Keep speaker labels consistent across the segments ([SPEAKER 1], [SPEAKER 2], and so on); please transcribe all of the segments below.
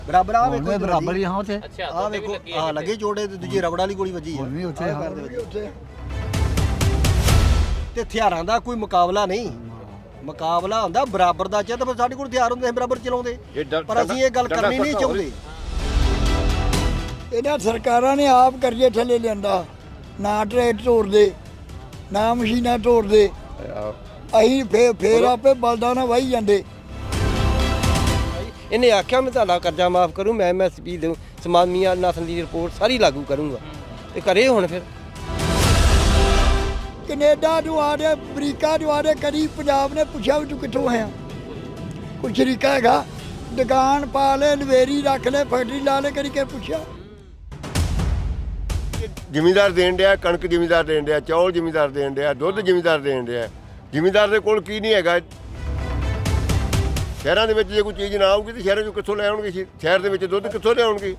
[SPEAKER 1] ਬਰਾਬਰ ਆ ਵੇਖੋ
[SPEAKER 2] ਬਰਾਬਰ ਹੀ ਹਾਂ ਉੱਥੇ।
[SPEAKER 3] ਅੱਛਾ
[SPEAKER 1] ਆ ਵੇਖੋ ਆ ਲੱਗੇ ਚੋੜੇ ਤੇ ਦੂਜੀ ਰਬੜ ਵਾਲੀ ਗੋਲੀ ਵੱਜੀ
[SPEAKER 2] ਹੁਣ ਵੀ ਉੱਥੇ
[SPEAKER 1] ਆ ਤੇ ਹਥਿਆਰਾਂ ਦਾ ਕੋਈ ਮੁਕਾਬਲਾ ਨਹੀਂ। ਮੁਕਾਬਲਾ ਹੁੰਦਾ ਬਰਾਬਰ ਦਾ ਚਾਹ ਤਾਂ ਸਾਡੇ ਕੋਲ ਹਥਿਆਰ ਹੁੰਦੇ ਬਰਾਬਰ ਚਲਾਉਂਦੇ, ਪਰ ਅਸੀਂ ਇਹ ਗੱਲ ਕਰਨੀ ਨਹੀਂ ਚਾਹੁੰਦੇ।
[SPEAKER 4] ਇਹਨਾਂ ਸਰਕਾਰਾਂ ਨੇ ਆਪ ਕਰਜ਼ੇ ਥੱਲੇ ਲਿਆਂਦਾ, ਨਾ ਟਰੈਕਟਰ ਤੋੜਦੇ ਨਾ ਮਸ਼ੀਨਾਂ ਤੋੜਦੇ, ਅਸੀਂ ਫੇਰ ਆਪੇ ਬਲਦਾਂ ਨਾਲ ਵਾਹੀ ਜਾਂਦੇ।
[SPEAKER 5] ਇਹਨੇ ਆਖਿਆ ਮੈਂ ਤੁਹਾਡਾ ਕਰਜ਼ਾ ਮਾਫ ਕਰੂੰ, ਮੈਂ MSP ਦਊਂ, ਸਮਾਮੀਆਂ ਨਸਲ ਦੀ ਰਿਪੋਰਟ ਸਾਰੀ ਲਾਗੂ ਕਰੂੰਗਾ ਤੇ ਕਰੇ ਹੁਣ ਫਿਰ
[SPEAKER 4] ਕੈਨੇਡਾ ਨੂੰ ਆ ਰਹੇ, ਅਮਰੀਕਾ ਨੂੰ ਆ ਰਹੇ, ਕਦੀ ਪੰਜਾਬ ਨੇ ਪੁੱਛਿਆ ਵੀ ਤੂੰ ਕਿੱਥੋਂ ਆਇਆ? ਕੋਈ ਸ਼ਰੀਕਾ ਹੈਗਾ? ਦੁਕਾਨ ਪਾ ਲੈ, ਲਵੇਰੀ ਰੱਖ ਲੈ, ਫੈਕਟਰੀ ਲਾ ਲੈ, ਕਦੀ ਕਿ ਪੁੱਛਿਆ?
[SPEAKER 6] ਜ਼ਿਮੀਂਦਾਰ ਦੇਣ ਡਿਆ, ਕਣਕ ਜ਼ਿਮੀਂਦਾਰ ਦੇਣ ਡਿਆ, ਚੌਲ ਜ਼ਿਮੀਂਦਾਰ ਦੇਣ ਡਿਆ, ਦੁੱਧ ਜ਼ਿਮੀਂਦਾਰ ਦੇਣ ਡਿਆ। ਜ਼ਿਮੀਂਦਾਰ ਦੇ ਕੋਲ ਕੀ ਨਹੀਂ ਹੈਗਾ। ਸ਼ਹਿਰਾਂ ਦੇ ਵਿੱਚ ਜੇ ਕੋਈ ਚੀਜ਼ ਨਾ ਆਊਗੀ ਤਾਂ ਸ਼ਹਿਰਾਂ 'ਚੋਂ ਕਿੱਥੋਂ ਲੈ ਆਉਣਗੇ? ਸ਼ਹਿਰ ਦੇ ਵਿੱਚ ਦੁੱਧ ਕਿੱਥੋਂ ਲਿਆਉਣਗੇ?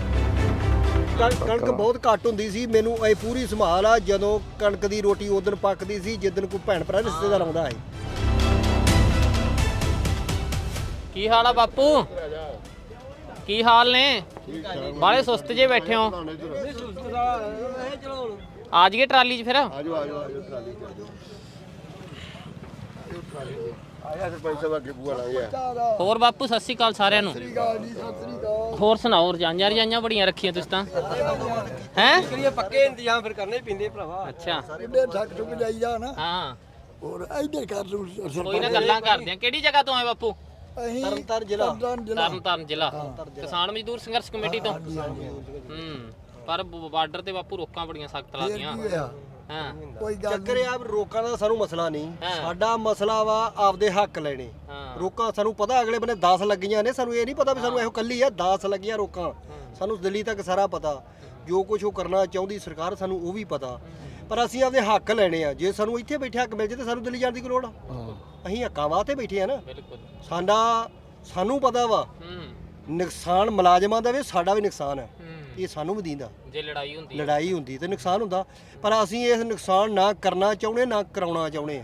[SPEAKER 1] ਕਣਕ ਬਹੁਤ ਘੱਟ ਹੁੰਦੀ ਸੀ। ਮੈਨੂੰ ਇਹ ਪੂਰੀ ਸੰਭਾਲ ਆ, ਜਦੋਂ ਕਣਕ ਦੀ ਰੋਟੀ ਉਦੋਂ ਪੱਕਦੀ ਸੀ ਜਿੱਦਣ ਕੋਈ ਭੈਣ ਭਰਾ ਰਿਸ਼ਤੇਦਾਰ ਆਉਂਦਾ ਹੈ।
[SPEAKER 3] ਕੀ ਹਾਲ ਆ ਬਾਪੂ? ਕੀ ਹਾਲ ਨੇ? ਬਾਲੇ ਸੁਸਤ ਜੇ ਬੈਠੇ ਹੋ। ਆ ਜਾਈਏ ਟਰਾਲੀ 'ਚ ਫਿਰ।
[SPEAKER 6] ਆਜੋ ਟਰਾਲੀ ਆਇਆ ਸਰਪੰਚ ਸਾਹਿਬ ਅੱਗੇ ਬੂਆ ਲਾਂਗੇ।
[SPEAKER 3] ਹੋਰ ਬਾਪੂ ਸਤਿ ਸ਼੍ਰੀ ਅਕਾਲ ਸਾਰਿਆਂ ਨੂੰ। ਹੋਰ ਸੁਣਾਓ, ਰਜਾਈਆਂ ਬੜੀਆਂ ਰੱਖੀਆਂ ਤੁਸੀਂ ਤਾਂ ਹੈ?
[SPEAKER 5] ਪੱਕੇ ਇੰਤਜ਼ਾਮ ਫਿਰ ਕਰਨੇ ਪੈਂਦੇ ਭਰਾਵਾ।
[SPEAKER 3] ਅੱਛਾ
[SPEAKER 4] ਇਹਦੇ ਠੱਕ ਠੁਕ ਜਾਈਦਾ ਨਾ।
[SPEAKER 3] ਹਾਂ
[SPEAKER 4] ਹੋਰ ਇੱਧਰ ਕਰ ਲੂ
[SPEAKER 3] ਕੋਈ ਨਾ ਗੱਲਾਂ ਕਰਦੇ ਆ। ਕਿਹੜੀ ਜਗ੍ਹਾ ਤੋਂ ਆਏ ਬਾਪੂ?
[SPEAKER 4] ਅਸੀਂ
[SPEAKER 1] ਤਰਨਤਾਰਨ ਜ਼ਿਲ੍ਹਾ।
[SPEAKER 3] ਤਰਨਤਾਰਨ ਜ਼ਿਲ੍ਹਾ, ਕਿਸਾਨ ਮਜ਼ਦੂਰ ਸੰਘਰਸ਼ ਕਮੇਟੀ ਤੋਂ। ਪਰ ਬਾਰਡਰ ਤੇ ਬਾਪੂ ਰੋਕਾਂ ਬੜੀਆਂ ਸਖਤ ਲਾਦੀਆਂ। ਹਾਂ
[SPEAKER 4] ਕੋਈ ਗੱਲ
[SPEAKER 1] ਚੱਕਰ ਆ ਰੋਕਾਂ ਦਾ ਸਾਨੂੰ ਮਸਲਾ ਨਹੀਂ, ਸਾਡਾ ਮਸਲਾ ਵਾ ਆਪਦੇ ਹੱਕ ਲੈਣੇ। ਰੋਕਾਂ ਸਾਨੂੰ ਪਤਾ ਅਗਲੇ ਬੰਨੇ 10 ਲੱਗੀਆਂ ਨੇ, ਸਾਨੂੰ ਇਹ ਨਹੀਂ ਪਤਾ ਵੀ ਸਾਨੂੰ ਇਹੋ ਕੱਲੀ ਆ 10 ਲੱਗੀਆਂ ਰੋਕਾਂ। ਸਾਨੂੰ ਦਿੱਲੀ ਤੱਕ ਸਾਰਾ ਪਤਾ, ਜੋ ਕੁਝ ਉਹ ਕਰਨਾ ਚਾਹੁੰਦੀ ਸਰਕਾਰ ਸਾਨੂੰ ਉਹ ਵੀ ਪਤਾ, ਪਰ ਅਸੀਂ ਆਪਦੇ ਹੱਕ ਲੈਣੇ ਆ। ਜੇ ਸਾਨੂੰ ਇੱਥੇ ਬੈਠੇ ਹੱਕ ਮਿਲ ਜੇ ਤਾਂ ਸਾਨੂੰ ਦਿੱਲੀ ਜਾਣ ਦੀ ਕੋਈ ਲੋੜ ਆ? ਅਸੀਂ ਹੱਕਾਂ ਵਾਸਤੇ ਬੈਠੇ ਆ ਨਾ। ਸਾਨੂੰ ਪਤਾ ਵਾ ਨੁਕਸਾਨ ਮੁਲਾਜ਼ਮਾਂ ਦਾ ਵੀ, ਸਾਡਾ ਵੀ ਨੁਕਸਾਨ ਹੈ। ਇਹ ਸਾਨੂੰ ਵੀ ਦੀਂਦਾ।
[SPEAKER 3] ਜੇ
[SPEAKER 1] ਲੜਾਈ ਹੁੰਦੀ ਤੇ ਨੁਕਸਾਨ ਹੁੰਦਾ, ਪਰ ਅਸੀਂ ਇਸ ਨੁਕਸਾਨ ਨਾ ਕਰਨਾ ਚਾਹੁੰਦੇ ਨਾ ਕਰਾਉਣਾ ਚਾਹੁੰਦੇ ਆ।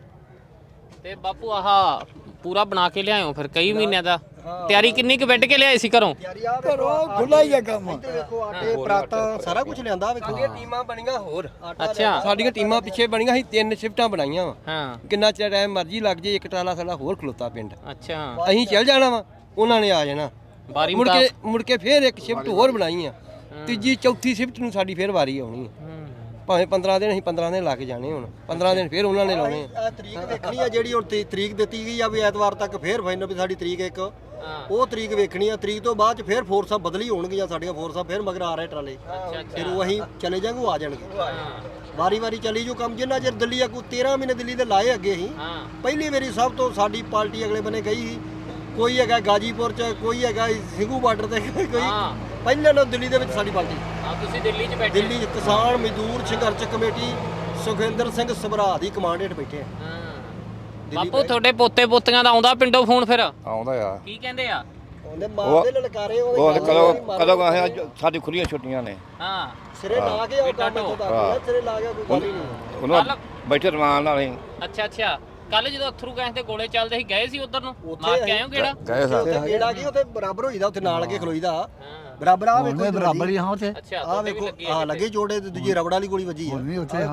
[SPEAKER 3] ਤੇ ਬਾਪੂ ਆਹ ਪੂਰਾ ਬਣਾ ਕੇ ਲਿਆਇਓ ਫਿਰ ਕਈ ਮਹੀਨਿਆਂ ਦਾ। ਤਿਆਰੀ ਕਿੰਨੀ ਕੁ ਵੱਢ ਕੇ ਲਿਆਏ ਸੀ ਘਰੋਂ?
[SPEAKER 4] ਘਰੋਂ ਖੁੱਲਾ ਹੀ ਆ ਕੰਮ।
[SPEAKER 1] ਵੇਖੋ ਆਟੇ ਪਰਾਤਾਂ ਸਾਰਾ ਕੁਝ ਲਿਆਂਦਾ। ਵੇਖੋ
[SPEAKER 5] ਟੀਮਾਂ ਬਣੀਆਂ ਹੋਰ।
[SPEAKER 3] ਅੱਛਾ
[SPEAKER 5] ਸਾਡੀਆਂ ਟੀਮਾਂ ਪਿੱਛੇ ਬਣੀਆਂ ਸੀ, 3 ਸ਼ਿਫਟਾਂ ਬਣਾਈਆਂ ਵਾ।
[SPEAKER 3] ਹਾਂ
[SPEAKER 5] ਕਿੰਨਾ ਚਿਰ ਟਾਈਮ ਮਰਜ਼ੀ ਲੱਗ ਜੇ, ਇੱਕ ਟਰਾਲਾ ਸਾਡਾ ਹੋਰ ਖਲੋਤਾ ਪਿੰਡ।
[SPEAKER 3] ਅੱਛਾ
[SPEAKER 5] ਅਸੀਂ ਚੱਲ ਜਾਣਾ ਵਾ, ਉਹਨਾਂ ਨੇ ਆ ਜਾਣਾ।
[SPEAKER 3] ਬਾਰੀ
[SPEAKER 5] ਮੁੜ ਕੇ ਫੇਰ ਇੱਕ ਸ਼ਿਫਟ ਹੋਰ ਬਣਾਈ ਆ। ਤੀਜੀ ਚੌਥੀ ਸ਼ਿਫਟ ਨੂੰ ਸਾਡੀ ਫੇਰ ਵਾਰੀ ਆਉਣੀ ਆ। ਭਾਵੇਂ 15 ਦਿਨ, ਅਸੀਂ 15 ਦਿਨ ਲਾ ਕੇ ਜਾਣੇ। ਹੁਣ 15 ਦਿਨ ਫੇਰ ਉਹਨਾਂ ਨੇ ਲਾਉਣੇ ਆ।
[SPEAKER 1] ਇਹ ਤਰੀਕ ਦੇਖਣੀ ਆ ਜਿਹੜੀ ਹੁਣ ਤਰੀਕ ਦਿੱਤੀ ਗਈ ਆ ਵੀ ਐਤਵਾਰ ਤੱਕ ਫੇਰ ਫਾਈਨਲ ਵੀ ਸਾਡੀ ਤਰੀਕ ਇੱਕ ਉਹ ਤਰੀਕ ਵੇਖਣੀ ਆ। ਤਰੀਕ ਤੋਂ ਬਾਅਦ ਚ ਫੇਰ ਫੋਰਸਾਂ ਬਦਲੀ ਹੋਣਗੀਆਂ, ਸਾਡੀਆਂ ਫੋਰਸਾਂ ਫੇਰ ਮਗਰ ਆ ਰਹੇ ਟਰਾਲੇ। ਫਿਰ ਉਹ ਅਸੀਂ ਚਲੇ ਜਾਾਂਗੇ, ਉਹ ਆ ਜਾਣਗੇ। ਵਾਰੀ ਚੱਲੀ ਜੋ ਕੰਮ। ਜਿੰਨਾ ਚਿਰ ਦਿੱਲੀ ਆ ਕੋਈ 13 ਮਹੀਨੇ ਦਿੱਲੀ ਦੇ ਲਾਏ ਅੱਗੇ ਅਸੀਂ। ਪਹਿਲੀ ਵਾਰੀ ਸਭ ਤੋਂ ਸਾਡੀ ਪਾਰਟੀ ਅਗਲੇ ਬੰਨੇ ਗਈ ਸੀ। ਕੋਈ ਹੈਗਾ ਗਾਜੀਪੁਰ ਚ, ਕੋਈ ਹੈਗਾ ਸਿੰਘੂ ਬਾਰਡਰ ਤੇ, ਕੋਈ ਪਹਿਲਾਂ ਨਾਲ ਦਿੱਲੀ ਦੇ ਵਿੱਚ ਸਾਡੀ ਪਾਰਟੀ।
[SPEAKER 3] ਤੁਸੀਂ ਦਿੱਲੀ 'ਚ ਬੈਠੇ?
[SPEAKER 1] ਦਿੱਲੀ ਕਿਸਾਨ ਮਜ਼ਦੂਰ ਸੰਘਰਸ਼ ਕਮੇਟੀ ਸੁਖਿੰਦਰ ਸਿੰਘ ਸਭਰਾ ਦੀ ਕਮਾਂਡ ਹੇਠ ਬੈਠੇ ਆ।
[SPEAKER 3] ਬਾਪੂ ਤੁਹਾਡੇ ਪੋਤੇ ਪੋਤੀਆਂ ਦਾ ਆਉਂਦਾ ਪਿੰਡੋਂ ਫੋਨ ਫਿਰ?
[SPEAKER 2] ਆਉਂਦਾ ਆ।
[SPEAKER 3] ਕੀ ਕਹਿੰਦੇ ਆ?
[SPEAKER 1] ਉਹਨੇ ਮਾਰਦੇ ਲਲਕਾਰੇ
[SPEAKER 2] ਉਹ ਕਦੋਂ ਆਏ? ਸਾਡੀ ਖੁੱਲੀਆਂ ਛੁੱਟੀਆਂ ਨੇ।
[SPEAKER 1] ਹਾਂ ਸਿਰੇ ਲਾ ਕੇ ਆਉ ਕੰਮ ਇੱਥੋਂ ਤੱਕ, ਸਿਰੇ ਲਾ ਗਿਆ ਕੋਈ ਗੱਲ ਹੀ ਨਹੀਂ।
[SPEAKER 2] ਉਹਨਾਂ ਬੈਠੇ ਰਮਾਨ ਨਾਲ ਹੀ।
[SPEAKER 3] ਅੱਛਾ ਕੱਲ ਜਦੋਂ ਅਥਰੂ ਗੈਸ ਤੇ ਗੋਲੇ ਚੱਲਦੇ ਸੀ, ਗਏ ਸੀ ਉਧਰ ਨੂੰ? ਮਾਰ ਕੇ ਆਏ ਹੋ ਕਿਹੜਾ?
[SPEAKER 2] ਗਏ ਸਾਂ।
[SPEAKER 1] ਉੱਥੇ ਕਿਹੜਾ ਕੀ ਉੱਥੇ ਬਰਾਬਰ ਹੋਈਦਾ, ਉੱਥੇ ਨਾਲ ਕੇ ਖਲੋਈਦਾ ਬਰਾਬਰ। ਆ ਵੇਖੋ
[SPEAKER 2] ਬਰਾਬਰ ਹੀ ਹਾਂ ਉੱਥੇ।
[SPEAKER 3] ਅੱਛਾ
[SPEAKER 1] ਆ ਵੇਖੋ ਆ ਲੱਗੇ ਚੋੜੇ ਤੇ ਦੂਜੀ ਰਬੜ ਵਾਲੀ ਗੋਲੀ ਵੱਜੀ ਆ।
[SPEAKER 2] ਹੁਣ ਵੀ ਉੱਥੇ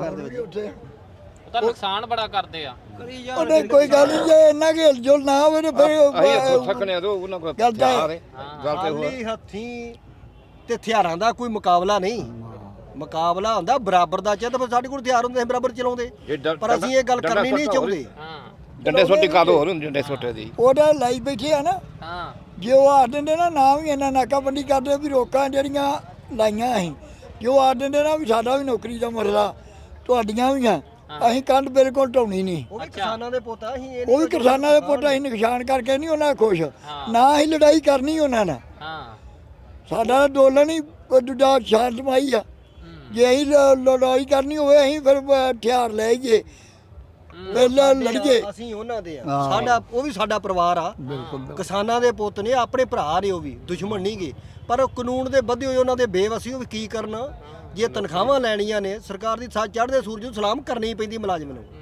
[SPEAKER 3] ਉਹ ਤਾਂ ਨੁਕਸਾਨ ਬੜਾ ਕਰਦੇ ਆ।
[SPEAKER 4] ਉਹਨੇ ਕੋਈ ਗੱਲ ਨਹੀਂ, ਜੇ ਇੰਨਾ ਕਿ ਹਿਲਜੁਲ ਨਾ ਹੋਵੇ ਤੇ ਫਿਰ
[SPEAKER 2] ਥੱਕਣੇ ਆ ਉਹਨਾਂ ਕੋਲ
[SPEAKER 4] ਗੱਲ ਤਾਂ
[SPEAKER 2] ਗੱਲ ਤੇ ਹੋਰ।
[SPEAKER 1] ਖਾਲੀ ਹੱਥੀਂ ਤੇ ਹਥਿਆਰਾਂ ਦਾ ਕੋਈ ਮੁਕਾਬਲਾ ਨਹੀਂ। ਮੁਕਾਬਲਾ ਹੁੰਦਾ ਬਰਾਬਰ ਦਾ ਚਾਹ ਤਾਂ ਸਾਡੇ ਕੋਲ ਹਥਿਆਰ ਹੁੰਦੇ ਬਰਾਬਰ ਚਲਾਉਂਦੇ, ਪਰ ਅਸੀਂ ਇਹ ਗੱਲ ਕਰਨੀ ਨਹੀਂ ਚਾਹੁੰਦੇ।
[SPEAKER 2] ਡੰਡੇ ਸੋਟੀ ਕਾਦ ਹੋਰ ਹੁੰਦੀ, ਡੰਡੇ ਸੋਟੇ ਦੀ
[SPEAKER 4] ਉਹਦਾ ਲਾਈ ਬੈਠੇ ਆ ਨਾ। ਜੇ ਉਹ ਆਖ ਦਿੰਦੇ ਨਾ ਵੀ ਇਹਨਾਂ ਨਾਕਾਬੰਦੀ ਕਰਦੇ ਵੀ ਰੋਕਾਂ ਜਿਹੜੀਆਂ ਲਾਈਆਂ ਅਸੀਂ, ਜੋ ਆਖ ਦਿੰਦੇ ਨਾ ਵੀ ਸਾਡਾ ਵੀ ਨੌਕਰੀ ਦਾ ਮਸਲਾ, ਤੁਹਾਡੀਆਂ ਵੀ ਆ, ਅਸੀਂ ਕੰਧ ਬਿਲਕੁਲ ਢਾਉਣੀ ਨਹੀਂ।
[SPEAKER 1] ਉਹ ਵੀ ਕਿਸਾਨਾਂ ਦੇ ਪੁੱਤ ਆ, ਅਸੀਂ ਇਹ
[SPEAKER 4] ਉਹ ਵੀ ਕਿਸਾਨਾਂ ਦੇ ਪੁੱਤ, ਅਸੀਂ ਨੁਕਸਾਨ ਕਰਕੇ ਨਹੀਂ ਉਹਨਾਂ ਖੁਸ਼, ਨਾ ਅਸੀਂ ਲੜਾਈ ਕਰਨੀ ਉਹਨਾਂ ਨਾਲ। ਸਾਡਾ ਅੰਦੋਲਨ ਹੀ ਦੂਜਾ ਸ਼ਾਂਤਮਈ ਆ। ਜੇ ਅਸੀਂ ਲੜਾਈ ਕਰਨੀ ਹੋਵੇ ਅਸੀਂ ਫਿਰ ਹਥਿਆਰ ਲੈ ਜਾਈਏ, ਪਹਿਲਾਂ ਲੜੀਏ।
[SPEAKER 1] ਅਸੀਂ ਉਹਨਾਂ ਦੇ ਆ, ਸਾਡਾ ਉਹ ਵੀ ਸਾਡਾ ਪਰਿਵਾਰ ਆ। ਕਿਸਾਨਾਂ ਦੇ ਪੁੱਤ ਨੇ, ਆਪਣੇ ਭਰਾ ਨੇ, ਉਹ ਵੀ ਦੁਸ਼ਮਣ ਨਹੀਂ ਗੇ, ਪਰ ਕਾਨੂੰਨ ਦੇ ਬੱਧੇ ਹੋਏ ਉਹਨਾਂ ਦੇ ਬੇਵਸੀ। ਉਹ ਵੀ ਕੀ ਕਰਨ? ਜੇ ਤਨਖਾਹਾਂ ਲੈਣੀਆਂ ਨੇ ਸਰਕਾਰ ਦੀ, ਚੜ੍ਹਦੇ ਸੂਰਜ ਨੂੰ ਸਲਾਮ ਕਰਨੀ ਪੈਂਦੀ ਮੁਲਾਜ਼ਮ ਨੂੰ।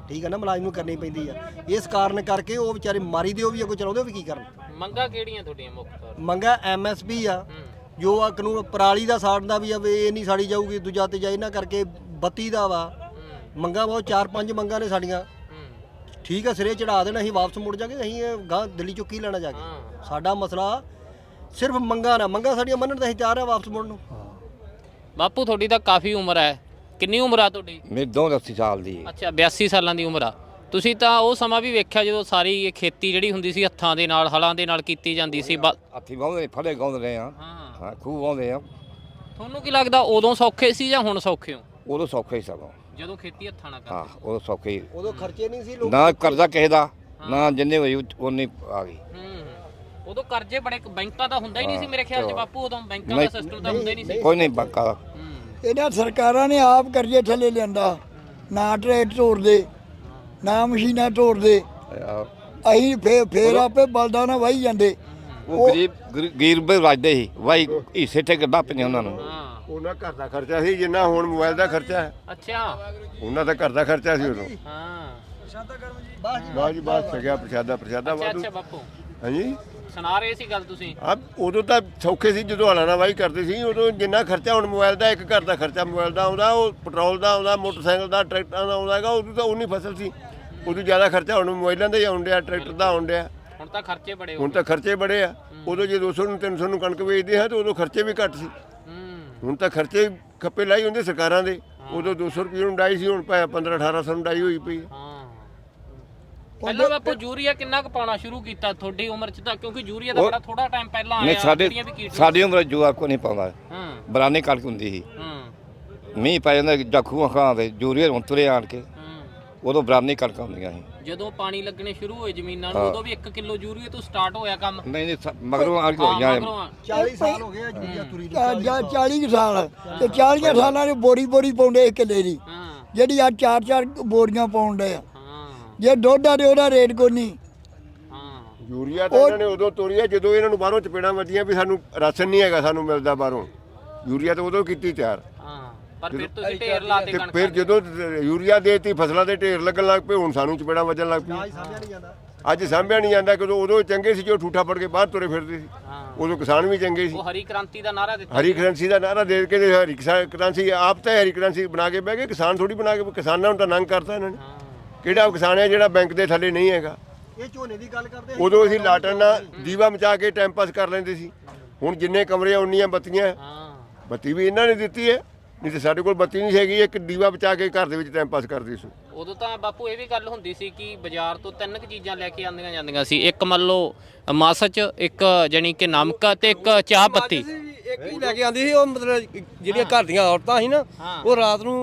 [SPEAKER 1] ਠੀਕ ਹੈ ਨਾ, ਮੁਲਾਜ਼ਮ ਨੂੰ ਕਰਨੀ ਪੈਂਦੀ ਆ। ਇਸ ਕਾਰਨ ਕਰਕੇ ਉਹ ਵਿਚਾਰੇ ਮਾਰੀ ਦੇ ਉਹ ਵੀ ਅੱਗੋਂ ਚਲਾਉਂਦੇ ਉਹ ਵੀ ਕੀ ਕਰਨ।
[SPEAKER 3] ਮੰਗਾਂ ਕਿਹੜੀਆਂ ਤੁਹਾਡੀਆਂ ਮੁੱਖ ਤੌਰ ਤੇ?
[SPEAKER 1] ਮੰਗਾ ਐਮਐਸਪੀ ਆ, ਜੋ ਆ ਕਾਨੂੰਨ ਪਰਾਲੀ ਦਾ ਸਾੜਨਾ ਵੀ ਆ ਵੀ ਇਹ ਨਹੀਂ ਸਾੜੀ ਜਾਊਗੀ, ਦੂਜਾ ਤੇ ਜਾ ਇਹਨਾਂ ਕਰਕੇ ਬੱਤੀ ਦਾ ਵਾ ਮੰਗਾ ਬਹੁਤ 4-5 ਮੰਗਾਂ ਨੇ ਸਾਡੀਆਂ। ਠੀਕ ਆ, ਸਿਰੇ ਚੜਾ ਦੇਣਾ, ਅਸੀਂ ਵਾਪਸ ਮੁੜ ਜਾਗੇ, ਅਸੀਂ ਗਾਂ ਦਿੱਲੀ ਚੋਂ ਕੀ ਲੈਣਾ ਜਾ ਕੇ। ਸਾਡਾ ਮਸਲਾ ਸਿਰਫ ਮੰਗਾ ਨਾ, ਮੰਗਾ ਸਾਡੀਆਂ ਮੰਨਣ ਤਾਂ ਅਸੀਂ ਤਿਆਰ ਆ ਵਾਪਸ ਮੁੜਨ ਨੂੰ।
[SPEAKER 3] ਬਾਪੂ ਤੁਹਾਡੀ ਤਾਂ ਕਾਫੀ ਉਮਰ ਹੈ, ਕਿੰਨੀ ਉਮਰ ਆ ਤੁਹਾਡੀ?
[SPEAKER 2] ਮੇਰੀ 82 ਸਾਲ ਦੀ ਹੈ।
[SPEAKER 3] ਅੱਛਾ 82 ਸਾਲਾਂ ਦੀ ਉਮਰ ਆ। ਤੁਸੀਂ ਤਾਂ ਉਹ ਸਮਾਂ ਵੀ ਵੇਖਿਆ ਜਦੋਂ ਸਾਰੀ ਇਹ ਖੇਤੀ ਜਿਹੜੀ ਹੁੰਦੀ ਸੀ ਹੱਥਾਂ ਦੇ ਨਾਲ, ਹਲਾਂ ਦੇ ਨਾਲ ਕੀਤੀ ਜਾਂਦੀ ਸੀ।
[SPEAKER 2] ਹੱਥੀਂ ਵਾਹੁੰਦੇ ਫੜੇ ਗਾਉਂਦੇ ਰਹੇ ਆ। ਹਾਂ ਖੂਬ ਵਾਹੁੰਦੇ ਆ।
[SPEAKER 3] ਤੁਹਾਨੂੰ ਕੀ ਲੱਗਦਾ ਉਦੋਂ ਸੌਖੇ ਸੀ ਜਾਂ ਹੁਣ ਸੌਖੇ ਹੋ?
[SPEAKER 2] ਉਦੋਂ ਸੌਖੇ ਹੀ ਸਗੋਂ।
[SPEAKER 3] ਜਦੋਂ ਖੇਤੀ ਹੱਥਾਂ ਨਾਲ
[SPEAKER 2] ਹਾਂ
[SPEAKER 3] ਕਰਦੇ?
[SPEAKER 2] ਉਦੋਂ ਸੌਖੇ ਹੀ।
[SPEAKER 1] ਉਦੋਂ ਖਰਚੇ ਨਹੀਂ ਸੀ ਲੋਕ,
[SPEAKER 2] ਨਾ ਕਰਜ਼ਾ ਕਿਸੇ ਦਾ, ਨਾ ਜਿੰਨੇ ਹੋਈ ਉਨੀ ਆ ਗਈ।
[SPEAKER 3] ਉਦੋਂ ਕਰਜ਼ੇ ਬੜੇ, ਬੈਂਕਾਂ ਦਾ ਹੁੰਦਾ ਹੀ ਨਹੀਂ ਸੀ ਮੇਰੇ ਖਿਆਲ 'ਚ ਬਾਪੂ, ਉਦੋਂ ਬੈਂਕਾਂ ਦਾ ਸਿਸਟਮ ਤਾਂ ਹੁੰਦਾ ਹੀ ਨਹੀਂ ਸੀ।
[SPEAKER 2] ਕੋਈ ਨਹੀਂ ਬੰਕਾ।
[SPEAKER 4] ਇਹਨਾਂ ਸਰਕਾਰਾਂ ਨੇ ਆਪ ਕਰਜ਼ੇ ਥੱਲੇ ਲਿਆਂਦਾ, ਨਾ ਟਰੈਕਟਰ ਤੋੜਦੇ, ਨਾ ਮਸ਼ੀਨਾਂ ਤੋੜਦੇ, ਅਸੀਂ ਫੇਰ ਆਪੇ ਬਲਦਾਂ ਨਾਲ ਵਾਹੀ ਜਾਂਦੇ।
[SPEAKER 2] ਉਹ ਗਰੀਬ ਰਾਜਦੇ ਸੀ, ਵਾਈ ਹਿੱਸੇ ਤੇ ਗੱਡਾ ਪਈਆਂ ਉਹਨਾਂ ਨੂੰ।
[SPEAKER 6] ਉਹਨਾਂ ਘਰ ਦਾ ਖਰਚਾ ਸੀ ਜਿੰਨਾ ਹੁਣ ਮੋਬਾਈਲ ਦਾ ਖਰਚਾ ਹੈ।
[SPEAKER 3] ਅੱਛਾ
[SPEAKER 6] ਉਹਨਾਂ ਦਾ ਘਰ ਦਾ ਖਰਚਾ ਸੀ ਉਦੋਂ।
[SPEAKER 3] ਹਾਂ
[SPEAKER 6] ਬਾਅਦ ਜੀ ਬਾਅਦ ਛਕਿਆ ਪ੍ਰਸ਼ਾਦਾ ਵਾਧੂ।
[SPEAKER 3] ਅੱਛਾ ਬਾਪੂ
[SPEAKER 6] ਹਾਂਜੀ
[SPEAKER 3] ਸੁਣਾ ਰਹੇ ਸੀ ਗੱਲ ਤੁਸੀਂ।
[SPEAKER 6] ਆ ਉਦੋਂ ਤਾਂ ਸੌਖੇ ਸੀ ਜਦੋਂ ਹਲਾਂ ਨਾਲ ਵਾਹੀ ਕਰਦੇ ਸੀ। ਉਦੋਂ ਜਿੰਨਾ ਖਰਚਾ ਹੁਣ ਮੋਬਾਈਲ ਦਾ, ਇੱਕ ਘਰ ਦਾ ਖਰਚਾ ਮੋਬਾਈਲ ਦਾ ਆਉਂਦਾ, ਉਹ ਪੈਟਰੋਲ ਦਾ ਆਉਂਦਾ, ਮੋਟਰਸਾਈਕਲ ਦਾ, ਟਰੈਕਟਰਾਂ ਦਾ ਆਉਂਦਾ ਹੈਗਾ। ਉਦੋਂ ਤਾਂ ਉਨੀ ਫਸਲ ਸੀ, ਉਦੋਂ ਜ਼ਿਆਦਾ ਖਰਚਾ ਹੁਣ ਮੋਬਾਈਲਾਂ ਦਾ ਹੀ ਆਉਣ ਡਿਆ, ਟਰੈਕਟਰ ਦਾ ਆਉਣ ਡਿਆ।
[SPEAKER 3] ਹੁਣ ਤਾਂ ਖਰਚੇ ਬੜੇ ਹੋ
[SPEAKER 6] ਹੁਣ ਤਾਂ ਖਰਚੇ ਬੜੇ ਆ। ਉਦੋਂ ਜੇ 200 ਨੂੰ 300 ਨੂੰ ਕਣਕ ਵੇਚਦੇ ਹਾਂ ਤਾਂ ਉਦੋਂ ਖਰਚੇ ਵੀ ਘੱਟ ਸੀ। ਹੁਣ ਤਾਂ ਖਰਚੇ ਖੱਪੇ ਲਾਈ ਹੁੰਦੇ ਸਰਕਾਰਾਂ ਦੇ। ਉਦੋਂ 200 ਰੁਪਏ ਨੂੰ ਡਾਈ ਸੀ, ਹੁਣ 1500-1800 ਨੂੰ ਡਾਈ ਹੋਈ ਪਈ।
[SPEAKER 3] ਪਹਿਲਾਂ ਬਾਪੂ ਯੂਰੀਆ ਕਿੰਨਾ ਕੁ ਪਾਉਣਾ ਸ਼ੁਰੂ ਕੀਤਾ ਤੁਹਾਡੀ ਉਮਰ 'ਚ? ਤਾਂ ਕਿਉਂਕਿ ਯੂਰੀਆ ਦਾ ਬੜਾ ਥੋੜਾ ਟਾਈਮ ਪਹਿਲਾਂ
[SPEAKER 2] ਨਹੀਂ
[SPEAKER 3] ਆਇਆ।
[SPEAKER 2] ਸਾਡੀ ਉਮਰ ਜੂਆ ਕੋ ਨਹੀਂ ਪਾਉਂਦਾ।
[SPEAKER 3] ਹਾਂ
[SPEAKER 2] ਬਰਾਨੀ ਕਣਕ ਹੁੰਦੀ ਸੀ, ਮੀਂਹ ਪੈ ਜਾਂਦਾ ਜਖੂਆਂ ਖਾਂ ਦੇ ਯੂਰੀਆ ਹੁਣ ਤੁਰੇ ਆਣ ਕੇ। ਉਦੋਂ ਬਰਾਨੀ ਕਣਕਾਂ ਹੁੰਦੀਆਂ ਸੀ।
[SPEAKER 3] ਜਦੋਂ ਪਾਣੀ ਲੱਗਣੇ ਸ਼ੁਰੂ ਹੋਏ ਜ਼ਮੀਨਾਂ ਨੂੰ ਉਦੋਂ ਵੀ 1 ਕਿਲੋ ਯੂਰੀਆ ਤੋਂ ਸਟਾਰਟ ਹੋਇਆ ਕੰਮ?
[SPEAKER 2] ਨਹੀਂ ਮਗਰੋਂ ਆ ਕੇ ਹੋਈਆਂ।
[SPEAKER 1] 40 ਸਾਲ ਹੋ ਗਏ ਆ ਜੂਰੀਆ ਤੁਰੀ ਨੂੰ।
[SPEAKER 4] 40 ਸਾਲ ਤੇ 40 ਸਾਲਾਂ ਦੇ ਬੋਰੀ ਪਾਉਂਦੇ ਇੱਕ ਕਿੱਲੇ ਦੀ, ਜਿਹੜੀ ਆ 4-4 ਬੋਰੀਆਂ ਪਾਉਂਦੇ ਆ। ਜੇ ਦੁੱਧ ਆ ਤੇ ਉਹਦਾ ਰੇਟ ਕੋਈ ਨਹੀਂ।
[SPEAKER 6] ਯੂਰੀਆ ਤਾਂ ਇਹਨਾਂ ਨੇ ਉਦੋਂ ਤੋਰੀ ਆ ਜਦੋਂ ਇਹਨਾਂ ਨੂੰ ਬਾਹਰੋਂ ਚਪੇੜਾਂ ਵੱਜੀਆਂ ਵੀ ਸਾਨੂੰ ਰਾਸ਼ਨ ਨਹੀਂ ਹੈਗਾ, ਸਾਨੂੰ ਮਿਲਦਾ ਬਾਹਰੋਂ। ਯੂਰੀਆ ਤਾਂ ਉਦੋਂ ਕੀਤੀ ਤਿਆਰ।
[SPEAKER 3] ਪਰ ਫਿਰ ਤੁਸੀਂ ਢੇਰ ਲਾਤੇ
[SPEAKER 6] ਤੇ
[SPEAKER 3] ਕਣਕ।
[SPEAKER 6] ਫਿਰ ਜਦੋਂ ਯੂਰੀਆ ਦੇਤੀ, ਫਸਲਾਂ ਦੇ ਢੇਰ ਲੱਗਣ ਲੱਗ ਪਏ, ਹੁਣ ਸਾਨੂੰ ਚਪੇੜਾਂ ਵੱਜਣ ਲੱਗ ਪਈਆਂ। ਅੱਜ ਸਾਂਭਿਆ ਨਹੀਂ ਜਾਂਦਾ, ਕਿਉਂਕਿ ਉਦੋਂ ਚੰਗੇ ਸੀ ਜੋ ਠੂਠਾ ਫੜ ਕੇ ਬਾਹਰ ਤੁਰੇ ਫਿਰਦੇ ਸੀ। ਉਦੋਂ ਕਿਸਾਨ ਵੀ ਚੰਗੇ ਸੀ।
[SPEAKER 3] ਉਹ ਹਰੀ ਕ੍ਰਾਂਤੀ ਦਾ ਨਾਰਾ ਦਿੱਤਾ।
[SPEAKER 6] ਹਰੀ ਕਰੰਸੀ ਦਾ ਨਾਰਾ ਦੇ ਕੇ ਤੇ ਹਰੀ ਕਰੰਸੀ ਆਪ ਤਾਂ ਹਰੀ ਕਰੰਸੀ ਬਣਾ ਕੇ ਬਹਿ ਗਏ, ਕਿਸਾਨ ਥੋੜੀ ਬਣਾ ਕੇ। ਕਿਸਾਨਾਂ ਨੂੰ ਤਾਂ ਨੰਗ ਕਰਤਾ ਇਹਨਾਂ ਨੇ। ਕਿਹੜਾ ਕਿਸਾਨ ਹੈ ਜਿਹੜਾ ਬੈਂਕ ਦੇ ਥੱਲੇ ਨਹੀਂ ਹੈਗਾ?
[SPEAKER 1] ਇਹ ਝੋਨੇ ਦੀ ਗੱਲ ਕਰਦੇ
[SPEAKER 6] ਉਦੋਂ ਅਸੀਂ ਲਾਟਣ ਨਾਲ ਦੀਵਾ ਮਚਾ ਕੇ ਟਾਈਮ ਪਾਸ ਕਰ ਲੈਂਦੇ ਸੀ। ਹੁਣ ਜਿੰਨੇ ਕਮਰੇ ਆ ਉਨੀਆਂ ਬੱਤੀਆਂ। ਬੱਤੀ ਵੀ ਇਹਨਾਂ ਨੇ ਦਿੱਤੀ ਹੈ, ਨਹੀਂ ਤੇ ਸਾਡੇ ਕੋਲ ਬੱਤੀ ਨਹੀਂ ਹੈਗੀ। ਇੱਕ ਦੀਵਾ ਬਚਾ ਕੇ ਘਰ ਦੇ ਵਿੱਚ ਟਾਈਮ ਪਾਸ ਕਰਦੇ ਸੀ।
[SPEAKER 3] ਉਦੋਂ ਤਾਂ ਬਾਪੂ ਇਹ ਵੀ ਗੱਲ ਹੁੰਦੀ ਸੀ ਕਿ ਬਾਜ਼ਾਰ ਤੋਂ 3 ਚੀਜ਼ਾਂ ਲੈ ਕੇ ਆਉਂਦੀਆਂ ਜਾਂਦੀਆਂ ਸੀ। ਇੱਕ ਮੰਨ ਲਓ ਮਸਚ, ਇੱਕ ਜਾਨੀ ਕਿ ਨਮਕ ਤੇ ਇੱਕ ਚਾਹ ਪੱਤੀ।
[SPEAKER 5] ਇੱਕ ਹੀ ਲੈ ਕੇ ਆਂਦੀ ਸੀ। ਉਹ ਮਤਲਬ ਜਿਹੜੀਆਂ ਘਰ ਦੀਆਂ ਔਰਤਾਂ ਸੀ ਨਾ, ਉਹ ਰਾਤ ਨੂੰ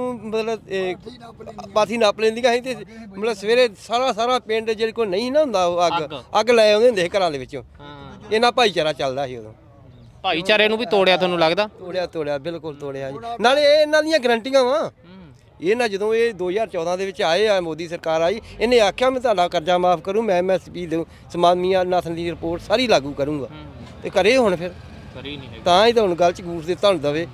[SPEAKER 5] ਮਤਲਬ ਪਾਥੀ ਨਾਪ ਲੈਂਦੀਆਂ ਸੀ ਤੇ ਮਤਲਬ ਸਵੇਰੇ ਸਾਰਾ ਪਿੰਡ ਜਿਹੜੇ ਕੋਈ ਨਹੀਂ ਨਾ ਹੁੰਦਾ, ਉਹ ਅੱਗ ਲੈ ਆਉਂਦੇ ਹੁੰਦੇ ਸੀ ਘਰਾਂ ਦੇ ਵਿੱਚੋਂ। ਇਹਨਾਂ ਭਾਈਚਾਰਾ ਚੱਲਦਾ ਸੀ ਉਦੋਂ।
[SPEAKER 3] ਭਾਈਚਾਰੇ ਨੂੰ ਵੀ ਤੋੜਿਆ ਤੁਹਾਨੂੰ ਲੱਗਦਾ?
[SPEAKER 5] ਤੋੜਿਆ ਬਿਲਕੁਲ ਤੋੜਿਆ ਜੀ। ਨਾਲੇ ਇਹ ਇਹਨਾਂ ਦੀਆਂ ਗਰੰਟੀਆਂ ਵਾ। ਇਹ ਨਾ ਜਦੋਂ ਇਹ 2014 ਦੇ ਵਿੱਚ ਆਏ ਆ, ਮੋਦੀ ਸਰਕਾਰ ਆਈ, ਇਹਨੇ ਆਖਿਆ ਮੈਂ ਤੁਹਾਡਾ ਕਰਜ਼ਾ ਮਾਫ ਕਰੂੰ, ਮੈਂ MSP ਦੇ ਸਮਾਮੀਆਂ ਨਾਥਨ ਦੀ ਰਿਪੋਰਟ ਸਾਰੀ ਲਾਗੂ ਕਰੂੰਗਾ। ਤੇ ਕਰੇ ਹੁਣ ਫਿਰ
[SPEAKER 3] ਕਰੀ ਨਹੀਂ ਹੈਗੀ।
[SPEAKER 5] ਤਾਂ ਹੀ ਤਾਂ ਹੁਣ ਗੱਲ ਚ ਗੂਠ ਦਿੱਤਾ ਹੁਣ ਦਵੇ।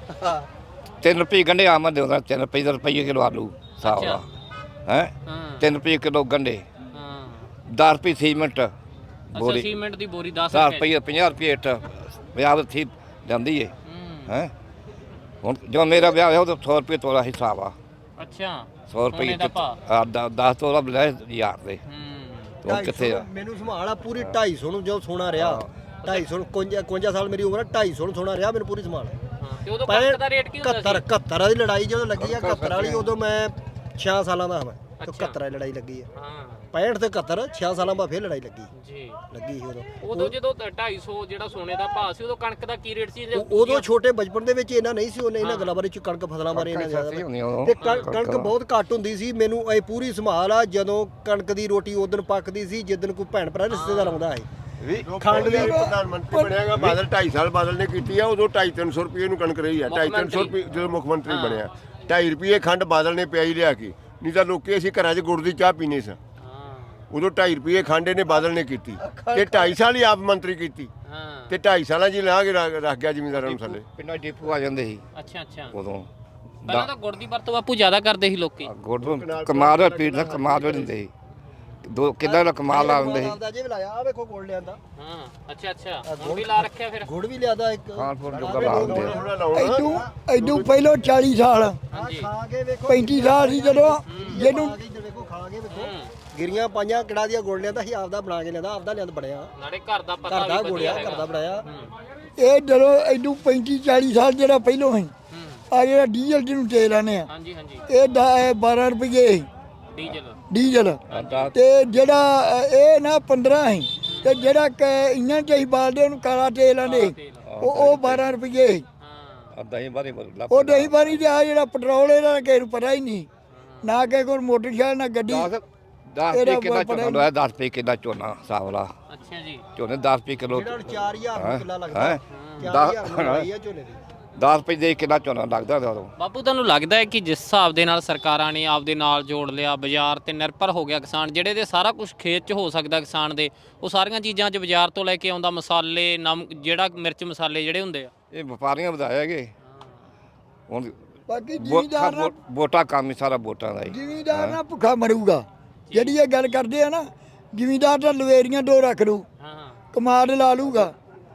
[SPEAKER 2] 3 ਰੁਪਏ ਗੰਢੇ ਆਮਦ ਦੇ ਹੁੰਦਾ, 3 ਰੁਪਏ ਕਿਲੋ ਆਲੂ ਸਾਫ ਦਾ ਹੈ, 3 ਰੁਪਏ ਕਿਲੋ ਗੰਢੇ, 10 ਰੁਪਏ ਸੀਮੈਂਟ ਬੋਰੀ,
[SPEAKER 3] ਸੀਮੈਂਟ ਦੀ ਬੋਰੀ 10
[SPEAKER 2] ਰੁਪਏ 50 ਰੁਪਏ ਇੱਟ ਵਿਆਹ ਥੀ ਜਾਂਦੀ ਹੈ ਹੈ। ਹੁਣ ਜਦੋਂ ਮੇਰਾ ਵਿਆਹ ਹੋਇਆ ਉਦੋਂ 100 ਰੁਪਏ ਤੋਲਾ ਹਿਸਾਬ ਆ।
[SPEAKER 3] ਅੱਛਾ
[SPEAKER 2] 100 ਰੁਪਏ 10 ਤੋਲਾ ਲੈ ਯਾਰ ਦੇ। ਉਹ ਕਿੱਥੇ ਆ?
[SPEAKER 1] ਮੈਨੂੰ ਸੰਭਾਲ ਆ ਪੂਰੀ 250 ਨੂੰ ਜਦੋਂ ਸੋਨਾ ਰਿਹਾ, 250 51 ਸਾਲ ਮੇਰੀ ਉਮਰ ਹੈ, 250 ਨੂੰ ਸੋਨਾ ਰਿਹਾ ਮੈਨੂੰ ਪੂਰੀ ਸੰਭਾਲ।
[SPEAKER 3] ਤੇ ਉਦੋਂ ਕਣਕ ਦਾ ਰੇਟ ਕੀ ਹੁੰਦਾ ਸੀ?
[SPEAKER 1] 71 ਦੀ ਲੜਾਈ ਜਦੋਂ ਲੱਗੀ ਆ, 71 ਵਾਲੀ, ਉਦੋਂ ਮੈਂ 6 ਸਾਲਾਂ ਦਾ ਹਾਂ। ਤੇ 71 ਵਾਲੀ ਲੜਾਈ ਲੱਗੀ ਆ। 65 ਤੇ 71 6 ਸਾਲਾਂ ਬਾਅਦ ਫੇਰ ਲੜਾਈ ਲੱਗੀ ਸੀ
[SPEAKER 3] ਉਦੋਂ ਜਦੋਂ 250 ਜਿਹੜਾ ਸੋਨੇ ਦਾ ਭਾਅ ਸੀ, ਉਦੋਂ ਕਣਕ ਦਾ ਕੀ ਰੇਟ ਸੀ?
[SPEAKER 1] ਉਦੋਂ ਛੋਟੇ ਬਚਪਨ ਦੇ ਵਿੱਚ ਇਹਨਾਂ ਨਹੀਂ ਸੀ, ਉਹਨੇ ਇਹਨਾਂ ਗੱਲਾਂ ਬਾਰੇ ਕਣਕ ਫਸਲਾਂ ਬਾਰੇ ਇਹਨਾਂ ਜ਼ਿਆਦਾ ਤੇ ਕਣਕ ਬਹੁਤ ਘੱਟ ਹੁੰਦੀ ਸੀ। ਮੈਨੂੰ ਇਹ ਪੂਰੀ ਸੰਭਾਲ ਆ ਜਦੋਂ ਕਣਕ ਦੀ ਰੋਟੀ ਉਦੋਂ ਪੱਕਦੀ ਸੀ ਜਿੱਦਣ ਕੋਈ ਭੈਣ ਭਰਾ ਰਿਸ਼ਤੇਦਾਰ ਆਉਂਦਾ ਹੈ।
[SPEAKER 6] ਖੰਡ ਦੀ ਪ੍ਰਧਾਨ ਮੰਤਰੀ ਬਣਿਆਗਾ ਬਾਦਲ, 2.5 ਸਾਲ ਬਾਦਲ ਨੇ ਕੀਤੀ ਆ। ਉਦੋਂ 250-300 ਰੁਪਏ ਨੂੰ ਕਣਕ ਰਹੀ ਆ। 250-300 ਰੁਪਏ ਜਦੋਂ ਮੁੱਖ ਮੰਤਰੀ ਬਣਿਆ, 2.5 ਰੁਪਏ ਖੰਡ ਬਾਦਲ ਨੇ ਪਿਆਈ ਲਿਆ ਕੇ। ਨਹੀਂ ਤਾਂ ਲੋਕੀ ਅਸੀਂ ਘਰਾਂ 'ਚ ਗੁੜ ਦੀ ਚਾਹ ਪੀਨੇ ਸਾਂ। ਉਦੋਂ 2.5 ਰੁਪਏ ਖੰਡ ਨੇ ਬਾਦਲ ਨੇ ਕੀਤੀ ਤੇ 2.5 ਸਾਲ ਹੀ ਆਪ ਮੰਤਰੀ ਕੀਤੀ ਤੇ 2.5 ਸਾਲਾਂ 'ਚ ਲਾ ਕੇ ਰੱਖ ਗਿਆ ਜ਼ਿਮੀਂਦਾਰਾਂ ਨੂੰ ਥੱਲੇ।
[SPEAKER 2] ਪਿੰਡਾਂ ਡਿਪੂ ਆ ਜਾਂਦੇ ਸੀ
[SPEAKER 3] ਅੱਛਾ
[SPEAKER 2] ਉਦੋਂ
[SPEAKER 3] ਪਹਿਲਾਂ ਤਾਂ ਗੁੜ ਦੀ ਵਰਤੋਂ ਬਾਪੂ ਜ਼ਿਆਦਾ ਕਰਦੇ ਸੀ ਲੋਕੀ।
[SPEAKER 2] ਗੁੜ ਨੂੰ ਕਮਾਲ ਦਾ ਪੀੜ ਦਾ ਕਮਾਲ ਹੋ ਦਿੰਦੇ ਸੀ, 2 ਕਿੱਲਾ ਦਾ ਕਮਾਲ ਲਾ ਦਿੰਦੇ ਸੀ।
[SPEAKER 1] ਆਪਦਾ ਜੇ ਵੀ ਲਾਇਆ ਆ ਵੇਖੋ ਗੁੜ ਲਿਆਂਦਾ।
[SPEAKER 3] ਹਾਂ ਅੱਛਾ ਹੁਣ ਵੀ ਲਾ ਰੱਖਿਆ ਫਿਰ।
[SPEAKER 1] ਗੁੜ ਵੀ ਲਿਆਦਾ ਇੱਕ
[SPEAKER 2] ਖਾਨਪੁਰ ਜੋਗਾ ਲਾ ਦਿੰਦੇ ਆ।
[SPEAKER 4] ਐਡੂ ਪਹਿਲੋਂ 40 ਸਾਲ
[SPEAKER 3] ਹਾਂਜੀ
[SPEAKER 1] ਖਾ ਕੇ ਵੇਖੋ
[SPEAKER 4] 35 ਸਾਲ ਸੀ ਜਦੋਂ ਜਿਹਨੂੰ
[SPEAKER 1] ਖਾ ਕੇ ਇੱਧਰ ਵੇਖੋ ਖਾ ਕੇ ਵੇਖੋ ਗਿਰੀਆਂ ਪਾਈਆਂ ਕਿੜਾ ਦੀਆਂ ਗੁੜ ਲਿਆਂਦਾ ਸੀ, ਆਪਦਾ ਬਣਾ ਕੇ ਲਿਆਂਦਾ, ਆਪਦਾ ਲਿਆਂਦ ਬਣਿਆ
[SPEAKER 3] ਨਾਲੇ ਘਰ ਦਾ ਪਤਾ
[SPEAKER 1] ਘਰ ਦਾ
[SPEAKER 3] ਵੀ
[SPEAKER 1] ਗੁੜਿਆ
[SPEAKER 3] ਵਧੀਆ
[SPEAKER 1] ਘਰ ਦਾ ਬਣਾਇਆ।
[SPEAKER 4] ਇਹ ਜਦੋਂ ਐਡੂ 35 40 ਸਾਲ ਜਿਹੜਾ ਪਹਿਲੋਂ ਸੀ ਆ ਜਿਹੜਾ ਡੀਜ਼ਲ ਜਿਹਨੂੰ ਤੇਲ ਆਨੇ ਆ
[SPEAKER 3] ਹਾਂਜੀ
[SPEAKER 4] ਇਹ 12 ਰੁਪਏ ਸੀ
[SPEAKER 3] ਡੀਜ਼ਲ।
[SPEAKER 4] ਡੀਜ਼ਲ ਤੇ ਜਿਹੜਾ ਇਹ ਨਾ 15 ਸੀ ਤੇ ਜਿਹੜਾ ਇੰਨਾਂ ਚ ਹੀ ਬਾਲਦੇ ਉਹਨੂੰ ਕਾਲਾ ਤੇਲ ਆਂਦੇ ਉਹ 12 ਰੁਪਏ ਸੀ।
[SPEAKER 3] ਹਾਂ
[SPEAKER 2] ਦਹੀਂ ਬਾਰੇ
[SPEAKER 4] ਉਹ ਦਹੀਂ ਪਾਣੀ ਤੇ ਆ ਜਿਹੜਾ ਪੈਟਰੋਲ ਇਹਦਾ ਕਿਸੇ ਨੂੰ ਪਤਾ ਹੀ ਨਹੀਂ, ਨਾ ਕਿਸੇ ਕੋਲ ਮੋਟਰਸਾਈਕਲ ਨਾ ਗੱਡੀ।
[SPEAKER 2] 10 ਰੁਪਏ ਕਿੱਲਾ ਝੋਨਾ ਲਾਇਆ, 10 ਰੁਪਏ ਕਿੱਲਾ ਝੋਨਾ ਸਾਵਲਾ
[SPEAKER 3] ਅੱਛਾ ਜੀ।
[SPEAKER 2] ਝੋਨੇ 10 ਰੁਪਏ ਕਿਲੋ
[SPEAKER 1] ਜਿਹੜਾ 4000 ਨੂੰ ਕਿੱਲਾ ਲੱਗਦਾ
[SPEAKER 2] ਹੈ
[SPEAKER 1] 4000 ਨੂੰ ਲਾਈ ਆ ਝੋਨੇ ਦੀ।
[SPEAKER 2] 10 ਰੁਪਏ ਦੇ ਕਿੱਲਾ ਝੋਨਾ ਲੱਗਦਾ ਉਦੋਂ।
[SPEAKER 3] ਬਾਪੂ ਤੁਹਾਨੂੰ ਲੱਗਦਾ ਹੈ ਕਿ ਜਿਸ ਹਿਸਾਬ ਦੇ ਨਾਲ ਸਰਕਾਰਾਂ ਨੇ ਆਪਦੇ ਨਾਲ ਜੋੜ ਲਿਆ, ਬਾਜ਼ਾਰ ਤੇ ਨਿਰਭਰ ਹੋ ਗਿਆ ਕਿਸਾਨ, ਜਿਹੜੇ ਦੇ ਸਾਰਾ ਕੁਝ ਖੇਤ 'ਚ ਹੋ ਸਕਦਾ ਕਿਸਾਨ ਦੇ, ਉਹ ਸਾਰੀਆਂ ਚੀਜ਼ਾਂ 'ਚ ਬਾਜ਼ਾਰ ਤੋਂ ਲੈ ਕੇ ਆਉਂਦਾ, ਮਸਾਲੇ ਨਮਕ ਜਿਹੜਾ ਮਿਰਚ ਮਸਾਲੇ ਜਿਹੜੇ ਹੁੰਦੇ ਆ
[SPEAKER 2] ਇਹ ਵਪਾਰੀਆਂ ਵਧਾਇਆ ਹੈਗੇ ਹੁਣ।
[SPEAKER 4] ਬਾਕੀ ਜ਼ਿਮੀਦਾਰ ਨਾ
[SPEAKER 2] ਵੋਟਾਂ ਕੰਮ ਹੀ ਸਾਰਾ ਵੋਟਾਂ ਦਾ ਹੀ।
[SPEAKER 4] ਜ਼ਿਮੀਦਾਰ ਨਾ ਭੁੱਖਾ ਮਰੂਗਾ। ਜਿਹੜੀ ਇਹ ਗੱਲ ਕਰਦੇ ਆ ਨਾ, ਜ਼ਿਮੀਦਾਰ ਤਾਂ ਲਵੇਰੀਆਂ 2 ਰੱਖ ਲੂ,
[SPEAKER 3] ਹਾਂ
[SPEAKER 4] ਕਮਾਦ ਲਾ ਲੂਗਾ,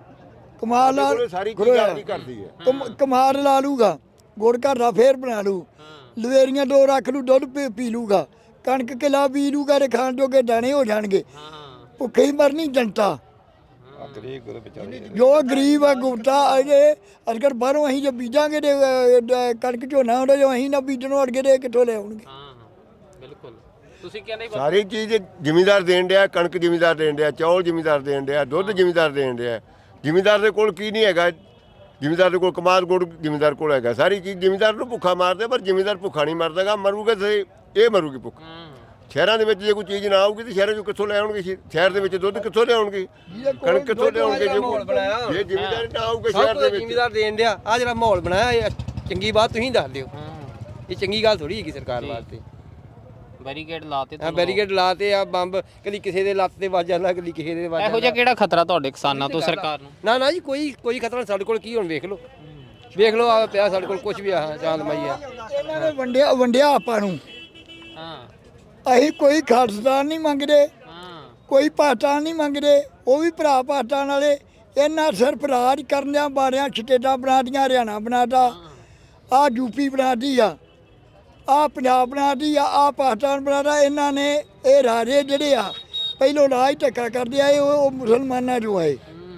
[SPEAKER 4] ਕਮਾਦ ਲਾ
[SPEAKER 6] ਸਾਰੀ ਚੀਜ਼ ਆਪਦੀ ਕਰਦੀ ਹੈ।
[SPEAKER 4] ਕਮਾਦ ਲਾ ਲੂਗਾ, ਗੁੜ ਘਰ ਦਾ ਫੇਰ ਬਣਾ ਲੂ, ਲਵੇਰੀਆਂ 2 ਰੱਖ ਲੂ, ਦੁੱਧ ਪੀ ਲੂਗਾ, ਕਣਕ ਕਿਲਾ ਪੀ ਲੂਗਾ ਤੇ ਖਾਣ ਜੋਗੇ ਦਾਣੇ ਹੋ ਜਾਣਗੇ।
[SPEAKER 3] ਹਾਂ
[SPEAKER 4] ਭੁੱਖੇ ਹੀ ਮਰਨੀ ਜਨਤਾ।
[SPEAKER 2] ਗਰੀਬ ਗੁਰੂ ਵਿਚਾਰੇ
[SPEAKER 4] ਜੋ ਗਰੀਬ ਆ ਗੁਪਤਾ ਅਜੇ ਅਗਰ ਬਾਹਰੋਂ ਅਸੀਂ ਜੇ ਬੀਜਾਂਗੇ ਤੇ ਕਣਕ ਝੋਨਾ ਹੁੰਦਾ, ਜੋ ਅਸੀਂ ਨਾ ਬੀਜਣੋਂ ਅੜਗੇ ਤੇ ਕਿੱਥੋਂ ਲੈ ਆਉਣਗੇ।
[SPEAKER 3] ਹਾਂ ਬਿਲਕੁਲ ਤੁਸੀਂ ਕਹਿੰਦੇ
[SPEAKER 6] ਸਾਰੀ ਚੀਜ਼ ਜ਼ਿਮੀਦਾਰ ਦੇਣ ਡਿਆ, ਕਣਕ ਜ਼ਿਮੀਦਾਰ ਦੇਣ ਡਿਆ, ਚੌਲ ਜ਼ਿਮੀਦਾਰ ਦੇਣ ਡਿਆ, ਦੁੱਧ ਜ਼ਿਮੀਦਾਰ ਦੇਣ ਡਿਆ। ਜ਼ਿਮੀਦਾਰ ਦੇ ਕੋਲ ਕੀ ਨਹੀਂ ਹੈਗਾ, ਜ਼ਿਮੀਦਾਰ ਦੇ ਕੋਲ ਕਮਾਦ ਗੁੜ ਜ਼ਿਮੀਦਾਰ ਕੋਲ ਹੈਗਾ। ਸਾਰੀ ਚੀਜ਼ ਜ਼ਿਮੀਦਾਰ ਨੂੰ ਭੁੱਖਾ ਮਾਰਦੇ, ਪਰ ਜ਼ਿਮੀਦਾਰ ਭੁੱਖਾ ਨਹੀਂ ਮਰਦਾਗਾ, ਮਰੂਗਾ ਤੇ ਇਹ ਮਰੂਗੀ ਭੁੱਖ। ਸ਼ਹਿਰਾਂ ਦੇ ਵਿੱਚ ਜੇ ਕੋਈ ਚੀਜ਼ ਨਾ ਆਊਗੀ ਤੇ ਸ਼ਹਿਰਾਂ 'ਚੋਂ ਕਿੱਥੋਂ ਲੈ ਆਉਣਗੇ? ਸ਼ਹਿਰ ਦੇ ਵਿੱਚ ਦੁੱਧ ਕਿੱਥੋਂ ਲਿਆਉਣਗੇ, ਕਣਕ ਕਿੱਥੋਂ ਲਿਆਉਣਗੇ? ਜੇ ਜ਼ਿਮੀਦਾਰ ਨਾ ਆਊਗਾ ਸ਼ਹਿਰ ਦੇ ਵਿੱਚ।
[SPEAKER 5] ਜ਼ਿਮੀਦਾਰ ਦੇਣ ਡਿਆ ਆ ਜਿਹੜਾ ਮਾਹੌਲ ਬਣਾਇਆ, ਇਹ ਚੰਗੀ ਬਾਤ ਤੁਸੀਂ ਦੱਸ ਦਿਓ। ਇਹ ਚੰਗੀ ਗੱਲ ਥੋੜੀ ਹੈਗੀ ਸਰਕਾਰ ਵਾਸਤੇ।
[SPEAKER 3] ਬੈਰੀਕੇਡ ਲਾਤੇ
[SPEAKER 5] ਆ ਬੈਰੀਕੇਡ ਲਾਤੇ ਆ, ਬੰਬ ਕਦੀ ਕਿਸੇ ਦੇ ਲੱਤ ਤੇ ਵੱਜ ਜਾਂਦਾ, ਕਦੀ ਕਿਸੇ ਦੇ ਵੱਜ
[SPEAKER 3] ਇਹੋ ਜਿਹਾ ਕਿਹੜਾ ਖਤਰਾ ਤੁਹਾਡੇ ਕਿਸਾਨਾਂ ਤੋਂ ਸਰਕਾਰ ਨੂੰ?
[SPEAKER 5] ਨਾ ਜੀ ਕੋਈ ਖਤਰਾ ਨਹੀਂ ਸਾਡੇ ਕੋਲ। ਕੀ ਹੁਣ ਵੇਖ ਲਓ ਆ ਪਿਆ ਸਾਡੇ ਕੋਲ ਕੁਝ ਵੀ ਆ ਚਾਂਦਮਾਈ ਆ।
[SPEAKER 4] ਇਹਨਾਂ ਨੇ ਵੰਡਿਆ ਆਪਾਂ ਨੂੰ।
[SPEAKER 3] ਹਾਂ
[SPEAKER 4] ਅਸੀਂ ਕੋਈ ਖਾਲਸਤਾਨ ਨਹੀਂ ਮੰਗਦੇ,
[SPEAKER 3] ਹਾਂ
[SPEAKER 4] ਕੋਈ ਪਾਕਿਸਤਾਨ ਨਹੀਂ ਮੰਗਦੇ, ਉਹ ਵੀ ਭਰਾ ਪਾਕਿਸਤਾਨ ਵਾਲੇ। ਇਹਨਾਂ ਸਿਰਫ ਰਾਜ ਕਰਨਿਆਂ ਬਾਰਿਆਂ ਸਟੇਟਾਂ ਬਣਾਦੀਆਂ, ਹਰਿਆਣਾ ਬਣਾਤਾ, ਆ ਯੂਪੀ ਬਣਾਤੀ ਆ ਪੰਜਾਬ ਬਣਾਤੀ ਆ ਪਾਕਿਸਤਾਨ ਬਣਾਤਾ। ਇਹਨਾਂ ਨੇ ਇਹ ਰਾਜੇ ਜਿਹੜੇ ਆ ਪਹਿਲੋਂ ਰਾਜ ਧੱਕਾ ਕਰਦੇ ਆਏ, ਉਹ ਮੁਸਲਮਾਨਾਂ ਚੋਂ ਆਏ।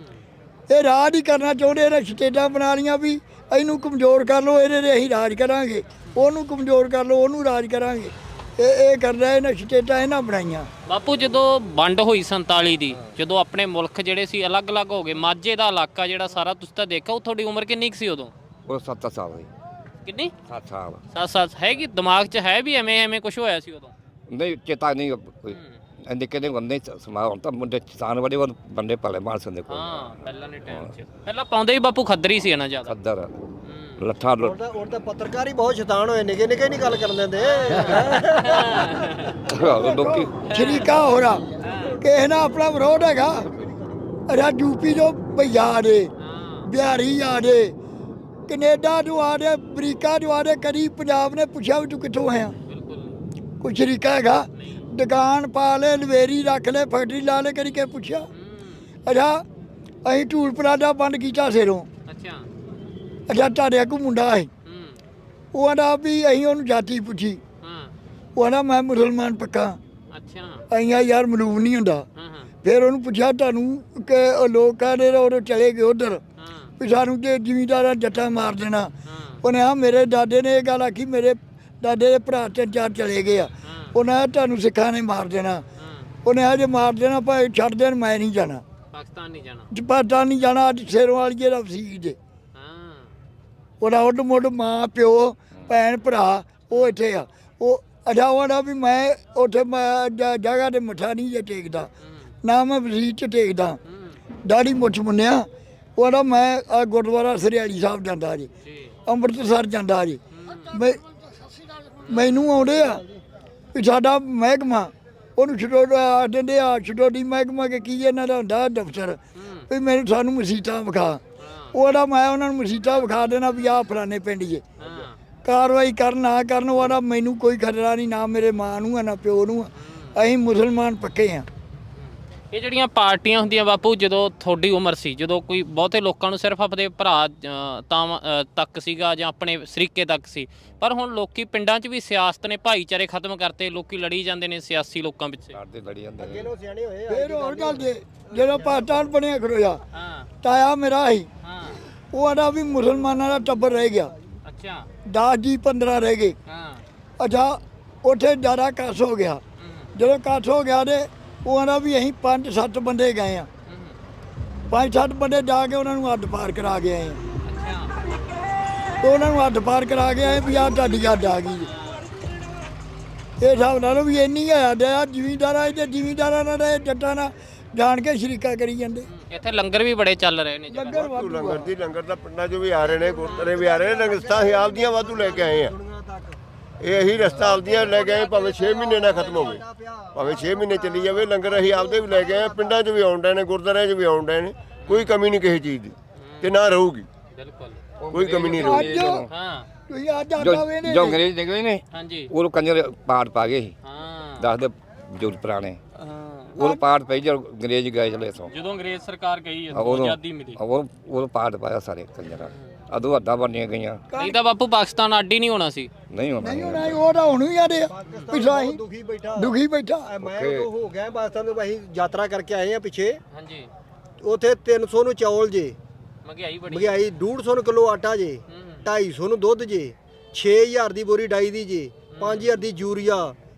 [SPEAKER 4] ਇਹ ਰਾਜ ਹੀ ਕਰਨਾ ਚਾਹੁੰਦੇ ਨੇ, ਸਟੇਟਾਂ ਬਣਾ ਲੀਆਂ ਵੀ ਇਹਨੂੰ ਕਮਜ਼ੋਰ ਕਰ ਲਓ, ਇਹਦੇ 'ਤੇ ਅਸੀਂ ਰਾਜ ਕਰਾਂਗੇ, ਉਹਨੂੰ ਕਮਜ਼ੋਰ ਕਰ ਲਓ, ਉਹਨੂੰ ਰਾਜ ਕਰਾਂਗੇ। ਇਹ ਕਰਦਾ ਇਹਨਾਂ ਸਟੇਟਾਂ ਇਹਨਾਂ ਬਣਾਈਆਂ।
[SPEAKER 3] ਬਾਪੂ ਜਦੋਂ ਵੰਡ ਹੋਈ 47 ਦੀ, ਜਦੋਂ ਆਪਣੇ ਮੁਲਕ ਜਿਹੜੇ ਸੀ ਅਲੱਗ-ਅਲੱਗ ਹੋ ਗਏ, ਮਾਝੇ ਦਾ ਇਲਾਕਾ ਜਿਹੜਾ ਸਾਰਾ ਤੁਸੀਂ ਤਾਂ ਦੇਖਿਆ, ਉਹ ਤੁਹਾਡੀ ਉਮਰ ਕਿੰਨੀ ਕੁ ਸੀ ਉਦੋਂ?
[SPEAKER 2] ਉਹ 7 ਸਾਲ ਦੀ।
[SPEAKER 3] ਕਿੰਨੀ?
[SPEAKER 2] 7 ਸਾਲ
[SPEAKER 3] 7 ਹੈਗੀ ਦਿਮਾਗ 'ਚ ਹੈ ਵੀ ਐਵੇਂ ਕੁਝ ਹੋਇਆ ਸੀ ਉਦੋਂ?
[SPEAKER 2] ਨਹੀਂ ਚੇਤਾ ਨਹੀਂ ਕੋਈ ਇੰਨੇ ਕਿਹਨੇ ਬੰਦੇ ਸਮਾ ਹੁਣ ਤਾਂ ਮੁੰਡੇ ਕਿਸਾਨ ਬੜੇ ਬੰਦੇ ਪਾਲੇ ਮਾਨਸ ਦੇ ਕੋਲ।
[SPEAKER 3] ਹਾਂ ਪਹਿਲਾਂ ਦੇ ਟਾਈਮ 'ਚ ਪਹਿਲਾਂ ਪਾਉਂਦੇ ਵੀ ਬਾਪੂ ਖੱਦਰੀ ਸੀ ਨਾ ਜ਼ਿਆਦਾ।
[SPEAKER 2] ਖੱਦਰ ਲੱਠਾ
[SPEAKER 1] ਹੁਣ ਤਾਂ ਪੱਤਰਕਾਰ ਹੀ ਬਹੁਤ ਸ਼ੈਤਾਨ ਹੋਏ, ਨਿੱਕੇ ਨਹੀਂ ਗੱਲ ਕਰਨ ਦਿੰਦੇ।
[SPEAKER 2] ਲੋਕੀ
[SPEAKER 4] ਸ਼ਰੀਕਾ ਹੋ ਰਾ ਕਿਸੇ ਨਾਲ ਆਪਣਾ ਵਿਰੋਧ ਹੈਗਾ। ਅਰੇ ਯੂਪੀ ਜੋ ਭਈਆ ਦੇ, ਬਿਹਾਰੀ ਆ ਦੇ, ਕੈਨੇਡਾ ਜੋ ਆ ਦੇ, ਅਮਰੀਕਾ ਜੋ ਆ ਦੇ, ਕਦੀ ਪੰਜਾਬ ਨੇ ਪੁੱਛਿਆ ਵੀ ਤੂੰ ਕਿੱਥੋਂ ਆਇਆ? ਕੋਈ ਸ਼ਰੀਕਾ ਹੈਗਾ? ਦੁਕਾਨ ਪਾ ਲੈ, ਲਵੇਰੀ ਰੱਖ ਲੈ, ਫੈਕਟਰੀ ਲਾ ਲੈ, ਕਦੀ ਕੇ ਪੁੱਛਿਆ? ਅੱਛਾ ਅਸੀਂ ਟੂਲ ਪਲਾਜ਼ਾ ਬੰਦ ਕੀਤਾ ਸਿਰੋਂ। ਅੱਛਾ ਤੁਹਾਡੇ ਕੋਲ ਮੁੰਡਾ ਹੈ, ਉਹ ਆਂਦਾ ਵੀ ਅਸੀਂ ਉਹਨੂੰ ਜਾਤੀ ਪੁੱਛੀ, ਉਹ ਆਂਦਾ ਮੈਂ ਮੁਸਲਮਾਨ ਪੱਕਾ। ਅਸੀਂ ਯਾਰ ਮਲੂਮ ਨਹੀਂ ਹੁੰਦਾ। ਫਿਰ ਉਹਨੂੰ ਪੁੱਛਿਆ ਤੁਹਾਨੂੰ ਕਿ ਲੋਕਾਂ ਦੇ ਉਦੋਂ ਚਲੇ ਗਏ ਉੱਧਰ ਵੀ ਸਾਨੂੰ ਤੇ ਜ਼ਿਮੀਂਦਾਰਾਂ ਜੱਟਾਂ ਮਾਰ ਦੇਣਾ। ਉਹਨੇ ਆ ਮੇਰੇ ਦਾਦੇ ਨੇ ਇਹ ਗੱਲ ਆਖੀ, ਮੇਰੇ ਦਾਦੇ ਦੇ ਭਰਾ 3-4 ਚਲੇ ਗਏ ਆ, ਉਹਨਾਂ ਤੁਹਾਨੂੰ ਸਿੱਖਾਂ ਨੇ ਮਾਰ ਦੇਣਾ। ਉਹਨੇ ਆ ਜੇ ਮਾਰ ਦੇਣਾ ਭਾਵੇਂ ਛੱਡ ਦੇਣ, ਮੈਂ ਨਹੀਂ ਜਾਣਾ
[SPEAKER 3] ਪਾਕਿਸਤਾਨ ਨਹੀਂ ਜਾਣਾ,
[SPEAKER 4] ਪਾਕਿਸਤਾਨ ਨਹੀਂ ਜਾਣਾ। ਅੱਜ ਸ਼ੇਰੋਂ ਵਾਲੀ ਦਾ ਵਸੀਰ ਜੇ ਉਹਦਾ ਉੱਡ ਮੁੱਢ ਮਾਂ ਪਿਓ ਭੈਣ ਭਰਾ ਉਹ ਇੱਥੇ ਆ। ਉਹ ਅੱਛਾ ਉਹਦਾ ਵੀ ਮੈਂ ਉੱਥੇ ਮੈਂ ਜਗ੍ਹਾ 'ਤੇ ਮੱਥਾ ਨਹੀਂ ਜੇ ਟੇਕਦਾ, ਨਾ ਮੈਂ ਵਸੀਰ 'ਚ ਟੇਕਦਾ, ਦਾੜੀ ਮੁੱਛ ਮੁੰਨਿਆ। ਉਹਦਾ ਮੈਂ ਆ ਗੁਰਦੁਆਰਾ ਸਰਿਆਲੀ ਸਾਹਿਬ ਜਾਂਦਾ ਜੀ, ਅੰਮ੍ਰਿਤਸਰ ਜਾਂਦਾ ਜੀ। ਮੈਨੂੰ ਆਉਂਦੇ ਆ ਵੀ ਸਾਡਾ ਮਹਿਕਮਾ, ਉਹਨੂੰ ਛਡੋੜਾ ਦਿੰਦੇ ਆ, ਛਡੋਡੀ ਮਹਿਕਮਾ ਕਿ ਕੀ ਇਹਨਾਂ ਦਾ ਹੁੰਦਾ ਦਫ਼ਤਰ, ਵੀ ਮੈਨੂੰ ਸਾਨੂੰ ਮਸੀਤਾਂ ਵਿਖਾ। ਉਹਦਾ ਮੈਂ ਉਹਨਾਂ ਨੂੰ ਮਸੀਤਾਂ ਵਿਖਾ ਦੇਣਾ ਵੀ ਆਹ ਫਲਾਣੇ ਪਿੰਡ ਜੇ। ਕਾਰਵਾਈ ਕਰਨ ਨਾ ਕਰਨ ਉਹਦਾ ਮੈਨੂੰ ਕੋਈ ਖਤਰਾ ਨਹੀਂ, ਨਾ ਮੇਰੇ ਮਾਂ ਨੂੰ ਆ ਨਾ ਪਿਓ ਨੂੰ ਆ। ਅਸੀਂ ਮੁਸਲਮਾਨ ਪੱਕੇ ਆ।
[SPEAKER 3] ਇਹ ਜਿਹੜੀਆਂ ਪਾਰਟੀਆਂ ਹੁੰਦੀਆਂ ਬਾਪੂ, ਜਦੋਂ ਤੁਹਾਡੀ ਉਮਰ ਸੀ, ਜਦੋਂ ਕੋਈ ਬਹੁਤੇ ਲੋਕਾਂ ਨੂੰ ਸਿਰਫ ਆਪਣੇ ਭਰਾ ਤੱਕ ਸੀਗਾ ਜਾਂ ਆਪਣੇ ਸਰੀਕੇ ਤੱਕ ਸੀ, ਪਰ ਹੁਣ ਲੋਕੀ ਪਿੰਡਾਂ 'ਚ ਵੀ ਸਿਆਸਤ ਨੇ ਭਾਈਚਾਰੇ ਖਤਮ ਕਰਤੇ, ਲੋਕੀ ਲੜੀ ਜਾਂਦੇ ਨੇ ਸਿਆਸੀ ਲੋਕਾਂ ਪਿੱਛੇ।
[SPEAKER 2] ਲੜਦੇ ਲੜੀ ਜਾਂਦੇ ਨੇ।
[SPEAKER 1] ਕਿਹਨੋਂ ਸਿਆਣੇ ਹੋਏ
[SPEAKER 4] ਫਿਰ ਹੋਰ ਗੱਲ ਜੇ ਜਦੋਂ ਪਾਕਿਸਤਾਨ ਬਣਿਆ ਖੜੋਇਆ,
[SPEAKER 3] ਹਾਂ
[SPEAKER 4] ਤਾਇਆ ਮੇਰਾ ਸੀ,
[SPEAKER 3] ਹਾਂ
[SPEAKER 4] ਉਹ ਆਦਾ ਵੀ ਮੁਸਲਮਾਨਾਂ ਦਾ ਟੱਬਰ ਰਹਿ ਗਿਆ,
[SPEAKER 3] ਅੱਛਾ
[SPEAKER 4] 10 ਜੀ 15 ਰਹਿ ਗਏ।
[SPEAKER 3] ਹਾਂ
[SPEAKER 4] ਅੱਛਾ ਉੱਥੇ ਜ਼ਿਆਦਾ ਕੱਸ ਹੋ ਗਿਆ। ਜਦੋਂ ਕੱਸ ਹੋ ਗਿਆ ਤੇ ਉਹ ਆਂਦਾ ਵੀ ਅਸੀਂ 5-7 ਬੰਦੇ ਗਏ ਆ, 5-7 ਬੰਦੇ ਜਾ ਕੇ ਉਹਨਾਂ ਨੂੰ ਅੱਡ ਪਾਰ ਕਰਾ ਕੇ ਆਏ ਆ।
[SPEAKER 3] ਅੱਛਾ
[SPEAKER 4] ਉਹਨਾਂ ਨੂੰ ਅੱਡ ਪਾਰ ਕਰਾ ਕੇ ਆਏ ਵੀ ਆਹ ਤੁਹਾਡੀ ਅੱਡ ਆ ਗਈ। ਇਹ ਹਿਸਾਬ ਨਾਲ ਵੀ ਇੰਨੀ ਆ ਜ਼ਿਮੀਂਦਾਰਾਂ ਤੇ ਜ਼ਿਮੀਂਦਾਰਾਂ ਨਾਲ ਇਹ ਜੱਟਾਂ ਨਾਲ ਜਾਣ ਕੇ ਸ਼ਰੀਕਾ ਕਰੀ ਜਾਂਦੇ।
[SPEAKER 3] ਇੱਥੇ ਲੰਗਰ ਵੀ ਬੜੇ ਚੱਲ ਰਹੇ ਨੇ ਜਿਹੜੇ।
[SPEAKER 4] ਲੰਗਰ ਵਾਧੂ
[SPEAKER 6] ਲੰਗਰ ਦੀ ਲੰਗਰ ਦਾ ਪਿੰਡਾਂ 'ਚੋਂ ਵੀ ਆ ਰਹੇ ਨੇ, ਗੁਰਦੁਆਰੇ ਵੀ ਆ ਰਹੇ ਨੇ, ਰਸਤਾ ਅਸੀਂ ਆਪਦੀਆਂ ਵਾਧੂ ਲੈ ਕੇ ਆਏ ਆ। ਇਹ ਅਸੀਂ ਰਸਤਾ ਆਪਦੀਆਂ ਲੈ ਕੇ ਆਏ, ਭਾਵੇਂ 6 ਮਹੀਨੇ ਨਾ ਖਤਮ ਹੋਵੇ, ਭਾਵੇਂ 6 ਮਹੀਨੇ ਚੱਲੀ ਜਾਵੇ, ਲੰਗਰ ਅਸੀਂ ਆਪਦੇ ਵੀ ਲੈ ਕੇ ਆਏ। ਪਿੰਡਾਂ 'ਚ ਵੀ ਆਉਣ ਡਏ ਨੇ, ਗੁਰਦੁਆਰਿਆਂ 'ਚ ਵੀ ਆਉਣ ਡਏ ਨੇ, ਕੋਈ ਕਮੀ ਨਹੀਂ ਕਿਸੇ ਚੀਜ਼ ਦੀ ਤੇ ਨਾ ਰਹੂਗੀ,
[SPEAKER 3] ਬਿਲਕੁਲ
[SPEAKER 6] ਕੋਈ ਕਮੀ ਨਹੀਂ ਰਹੂਗੀ।
[SPEAKER 4] ਅੱਜ
[SPEAKER 3] ਹਾਂ
[SPEAKER 4] ਤੁਸੀਂ ਅੱਜ ਆਟਾ ਵੇਨੇ
[SPEAKER 2] ਜੋ ਅੰਗਰੇਜ਼ ਨਿਕਲੇ ਨੇ
[SPEAKER 3] ਹਾਂਜੀ
[SPEAKER 2] ਉਹ ਕੰਜਰ ਪਾੜ ਪਾ ਗਏ ਸੀ,
[SPEAKER 3] ਹਾਂ
[SPEAKER 2] ਦੱਸਦੇ ਬਜ਼ੁਰਗ ਪੁਰਾਣੇ।
[SPEAKER 3] ਹਾਂ
[SPEAKER 2] ਉਹ ਪਾੜ ਪਈ ਜਦੋਂ ਅੰਗਰੇਜ਼ ਗਏ ਚਲੇ ਇੱਥੋਂ,
[SPEAKER 3] ਜਦੋਂ ਅੰਗਰੇਜ਼ ਸਰਕਾਰ ਗਈ
[SPEAKER 2] ਉਦੋਂ
[SPEAKER 3] ਆਜ਼ਾਦੀ ਮਿਲੀ,
[SPEAKER 2] ਉਹ ਪਾੜ ਪਾਇਆ ਸਾਰੇ ਕੰਜਰਾਂ। ਅਦੋਂ ਹੱਦਾਂ ਬਣਨੀਆਂ ਗਈਆਂ,
[SPEAKER 3] ਨਹੀਂ ਤਾਂ ਬਾਪੂ ਪਾਕਿਸਤਾਨ ਅੱਡ ਹੀ ਨਹੀਂ ਹੋਣਾ ਸੀ।
[SPEAKER 2] ਨਹੀਂ ਹੋਣਾ।
[SPEAKER 4] ਨਹੀਂ ਹੋਣਾ ਉਹ ਤਾਂ ਹੁਣ ਵੀ ਆਦੇ ਪਿਛਲਾ ਅਸੀਂ
[SPEAKER 1] ਦੁਖੀ ਬੈਠਾ
[SPEAKER 4] ਦੁਖੀ ਬੈਠਾ।
[SPEAKER 1] ਮੈਂ ਉਦੋਂ ਹੋ ਗਿਆ ਪਾਕਿਸਤਾਨ ਤੋਂ, ਅਸੀਂ ਯਾਤਰਾ ਕਰਕੇ ਆਏ ਆ ਪਿੱਛੇ,
[SPEAKER 3] ਹਾਂਜੀ
[SPEAKER 1] ਉੱਥੇ 300 ਨੂੰ ਚੌਲ ਜੇ,
[SPEAKER 3] ਮਹਿੰਗਾਈ ਬੜੀ।
[SPEAKER 1] ਮਹਿੰਗਾਈ 150 ਕਿਲੋ ਆਟਾ ਜੇ, 250 ਨੂੰ ਦੁੱਧ ਜੇ, 6000 ਦੀ ਬੋਰੀ ਡਾਈ ਦੀ ਜੇ, 5000 ਦੀ ਯੂਰੀਆ,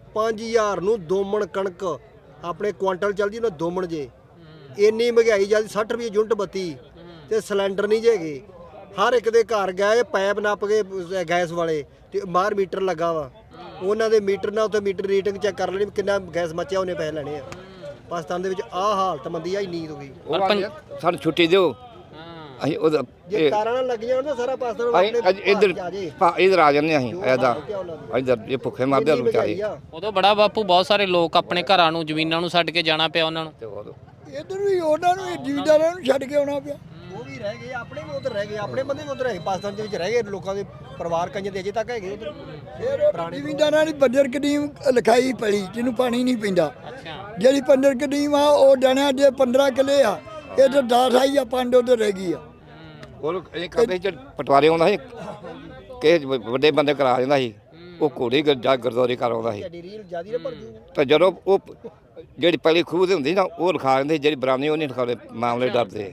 [SPEAKER 1] 5000 ਨੂੰ ਦੋਮਣ ਕਣਕ ਆਪਣੇ ਕੁਆਂਟਲ ਚੱਲਦੀ ਉਹਨਾਂ ਦੋਮਣ ਜੇ। ਇੰਨੀ ਮਹਿੰਗਾਈ ਜਲਦੀ 60 ਰੁਪਏ ਯੂਨਿਟ ਬੱਤੀ ਤੇ ਸਿਲੰਡਰ ਨਹੀਂ ਜੇਗੇ। ਹਰ ਇੱਕ ਦੇ ਘਰ ਗਏ ਪੈਪ ਨੱਪ ਕੇ ਗੈਸ ਵਾਲੇ ਤੇ ਬਾਹਰ ਮੀਟਰ ਲੱਗਾ ਵਾ, ਉਹਨਾਂ ਦੇ ਮੀਟਰ ਨਾਲ ਉੱਥੇ ਮੀਟਰ ਰੀਡਿੰਗ ਚੈੱਕ ਕਰ ਲੈਣੀ ਵੀ ਕਿੰਨਾ ਗੈਸ ਮੱਚਿਆ, ਉਹਨੇ ਪੈਸੇ ਲੈਣੇ ਆ। ਪਾਕਿਸਤਾਨ ਦੇ ਵਿੱਚ ਆਹ ਹਾਲਤ ਮੰਦੀ ਆ, ਇੰਨੀ ਹੋ ਗਈ।
[SPEAKER 2] ਸਾਨੂੰ ਛੁੱਟੀ ਦਿਓ, ਅਸੀਂ ਉਹਦਾ
[SPEAKER 1] ਜੇ ਤਾਰਾਂ ਨਾਲ ਲੱਗੀਆਂ ਉਹਨਾਂ ਸਾਰਾ ਪਾਕਿਸਤਾਨ
[SPEAKER 2] ਇੱਧਰ ਇੱਧਰ ਆ ਜਾਂਦੇ ਅਸੀਂ ਐਦਾ ਇੱਧਰ ਇਹ ਭੁੱਖੇ ਮਰਦੇ ਆ ਵਿਚਾਰੇ।
[SPEAKER 3] ਉਦੋਂ ਬੜਾ ਬਾਪੂ ਬਹੁਤ ਸਾਰੇ ਲੋਕ ਆਪਣੇ ਘਰਾਂ ਨੂੰ ਜ਼ਮੀਨਾਂ ਨੂੰ ਛੱਡ ਕੇ ਜਾਣਾ ਪਿਆ ਉਹਨਾਂ ਨੂੰ।
[SPEAKER 4] ਇੱਧਰ ਵੀ ਉਹਨਾਂ ਨੂੰ ਜ਼ਿਮੀਂਦਾਰਾਂ ਨੂੰ ਛੱਡ ਕੇ ਆਉਣਾ ਪਿਆ।
[SPEAKER 1] ਉਹ ਵੀ ਰਹਿ ਗਏ, ਆਪਣੇ ਵੀ ਉਧਰ ਰਹਿ ਗਏ, ਆਪਣੇ ਬੰਦੇ ਵੀ ਉਧਰ ਹੈਗੇ, ਪਾਕਿਸਤਾਨ ਦੇ ਵਿੱਚ ਰਹਿ ਗਏ, ਲੋਕਾਂ ਦੇ ਪਰਿਵਾਰ ਕਈਆਂ ਦੇ ਅਜੇ ਤੱਕ ਹੈਗੇ ਉਧਰ।
[SPEAKER 4] ਫਿਰ ਜ਼ਿਮੀਂਦਾਰਾਂ ਦੀ ਬੰਜਰ ਕਦੀਮ ਲਿਖਾਈ ਪਈ ਜਿਹਨੂੰ ਪਾਣੀ ਨਹੀਂ ਪੈਂਦਾ।
[SPEAKER 3] ਅੱਛਾ
[SPEAKER 4] ਜਿਹੜੀ ਬੰਜਰ ਕਦੀਮ ਆ ਉਹ ਜਾਣਿਆ ਜੇ 15 ਕਿੱਲੇ ਆ, ਇਹ ਤਾਂ 10 ਆਈ ਆ, 5 ਉਧਰ ਰਹਿ ਗਈ ਆ।
[SPEAKER 2] ਉਹ ਇਹ ਕਰਦੇ ਸੀ ਪਟਵਾਰੀ ਆਉਂਦਾ ਸੀ, ਕਿਸੇ ਵੱਡੇ ਬੰਦੇ ਕਰਾ ਦਿੰਦਾ ਸੀ, ਉਹ ਘੋੜੀ ਜਾ ਗੁਰਦੁਆਰੇ ਕਰ ਆਉਂਦਾ ਸੀ।
[SPEAKER 1] ਰੀਲ ਜਿਆਦੀ ਨਾ ਭਰ ਜੂ।
[SPEAKER 2] ਤਾਂ ਜਦੋਂ ਉਹ ਜਿਹੜੀ ਪਹਿਲੀ ਖੂਹ ਤੇ ਹੁੰਦੀ ਨਾ ਉਹ ਲਿਖਾ ਦਿੰਦੇ, ਜਿਹੜੀ ਬਰਾਨੀ ਉਹ ਨਹੀਂ ਲਿਖਾਉਂਦੇ, ਮਾਮਲੇ ਡਰਦੇ।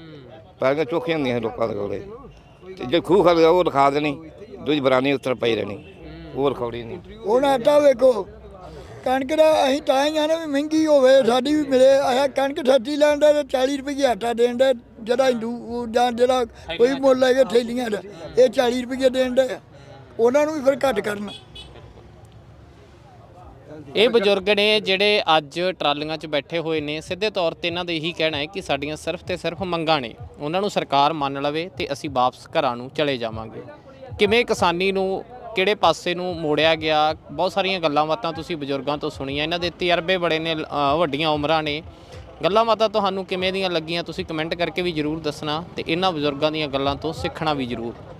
[SPEAKER 2] ਪਹਿਲਾਂ ਚੌਕੀਆਂ ਹੁੰਦੀਆਂ ਸੀ ਲੋਕਾਂ ਦੇ ਕੋਲੇ, ਤੇ ਜੇ ਖੂਹ ਖਾ ਉਹ ਲਿਖਾ ਦੇਣੀ, ਦੂਜੀ ਬਰਾਨੀ ਉੱਤਰ ਪਈ ਰਹਿਣੀ, ਉਹ ਲਿਖਾਉਣੀ ਨਹੀਂ।
[SPEAKER 4] ਹੁਣ ਆਟਾ ਵੇਖੋ, ਕਣਕ ਦਾ ਅਸੀਂ ਤਾਂ ਹੀ ਆਨੇ ਵੀ ਮਹਿੰਗੀ ਹੋਵੇ, ਸਾਡੀ ਵੀ ਮਿਲੇ। ਆਇਆ ਕਣਕ ਸੱਚੀ ਲੈਣ ਦਾ 40 ਰੁਪਏ ਆਟਾ ਦੇਣ ਦਾ, ਜਿਹੜਾ ਹਿੰਦੂ ਜਾਂ ਜਿਹੜਾ ਕੋਈ ਮੁੱਲ ਲੈ ਕੇ ਥੈਲੀਆਂ ਦਾ ਇਹ 40 ਰੁਪਏ ਦੇਣ ਦਾ, ਉਹਨਾਂ ਨੂੰ ਵੀ ਫਿਰ ਘੱਟ ਕਰਨਾ।
[SPEAKER 3] ਇਹ ਬਜ਼ੁਰਗ ਨੇ ਜਿਹੜੇ ਅੱਜ ਟਰਾਲੀਆਂ 'ਚ ਬੈਠੇ ਹੋਏ ਨੇ, ਸਿੱਧੇ ਤੌਰ ਤੇ ਇਹਨਾਂ ਦਾ ਇਹੀ ਕਹਿਣਾ ਹੈ ਕਿ ਸਾਡੀਆਂ ਸਿਰਫ ਤੇ ਸਿਰਫ ਮੰਗਾਂ ਨੇ, ਉਹਨਾਂ ਨੂੰ ਸਰਕਾਰ ਮੰਨ ਲਵੇ ਤੇ ਅਸੀਂ ਵਾਪਸ ਘਰਾਂ ਨੂੰ ਚਲੇ ਜਾਵਾਂਗੇ। ਕਿਵੇਂ ਕਿਸਾਨੀ ਨੂੰ ਕਿਹੜੇ ਪਾਸੇ ਨੂੰ ਮੋੜਿਆ ਗਿਆ, ਬਹੁਤ ਸਾਰੀਆਂ ਗੱਲਾਂ ਬਾਤਾਂ ਤੁਸੀਂ ਬਜ਼ੁਰਗਾਂ ਤੋਂ ਸੁਣੀਆਂ, ਇਹਨਾਂ ਦੇ ਤਜਰਬੇ ਬੜੇ ਨੇ, ਵੱਡੀਆਂ ਉਮਰਾਂ ਨੇ। ਗੱਲਾਂ ਬਾਤਾਂ ਤੁਹਾਨੂੰ ਕਿਵੇਂ ਦੀਆਂ ਲੱਗੀਆਂ ਤੁਸੀਂ ਕਮੈਂਟ ਕਰਕੇ ਵੀ ਜ਼ਰੂਰ ਦੱਸਣਾ, ਤੇ ਇਹਨਾਂ ਬਜ਼ੁਰਗਾਂ ਦੀਆਂ ਗੱਲਾਂ ਤੋਂ ਸਿੱਖਣਾ ਵੀ ਜ਼ਰੂਰ।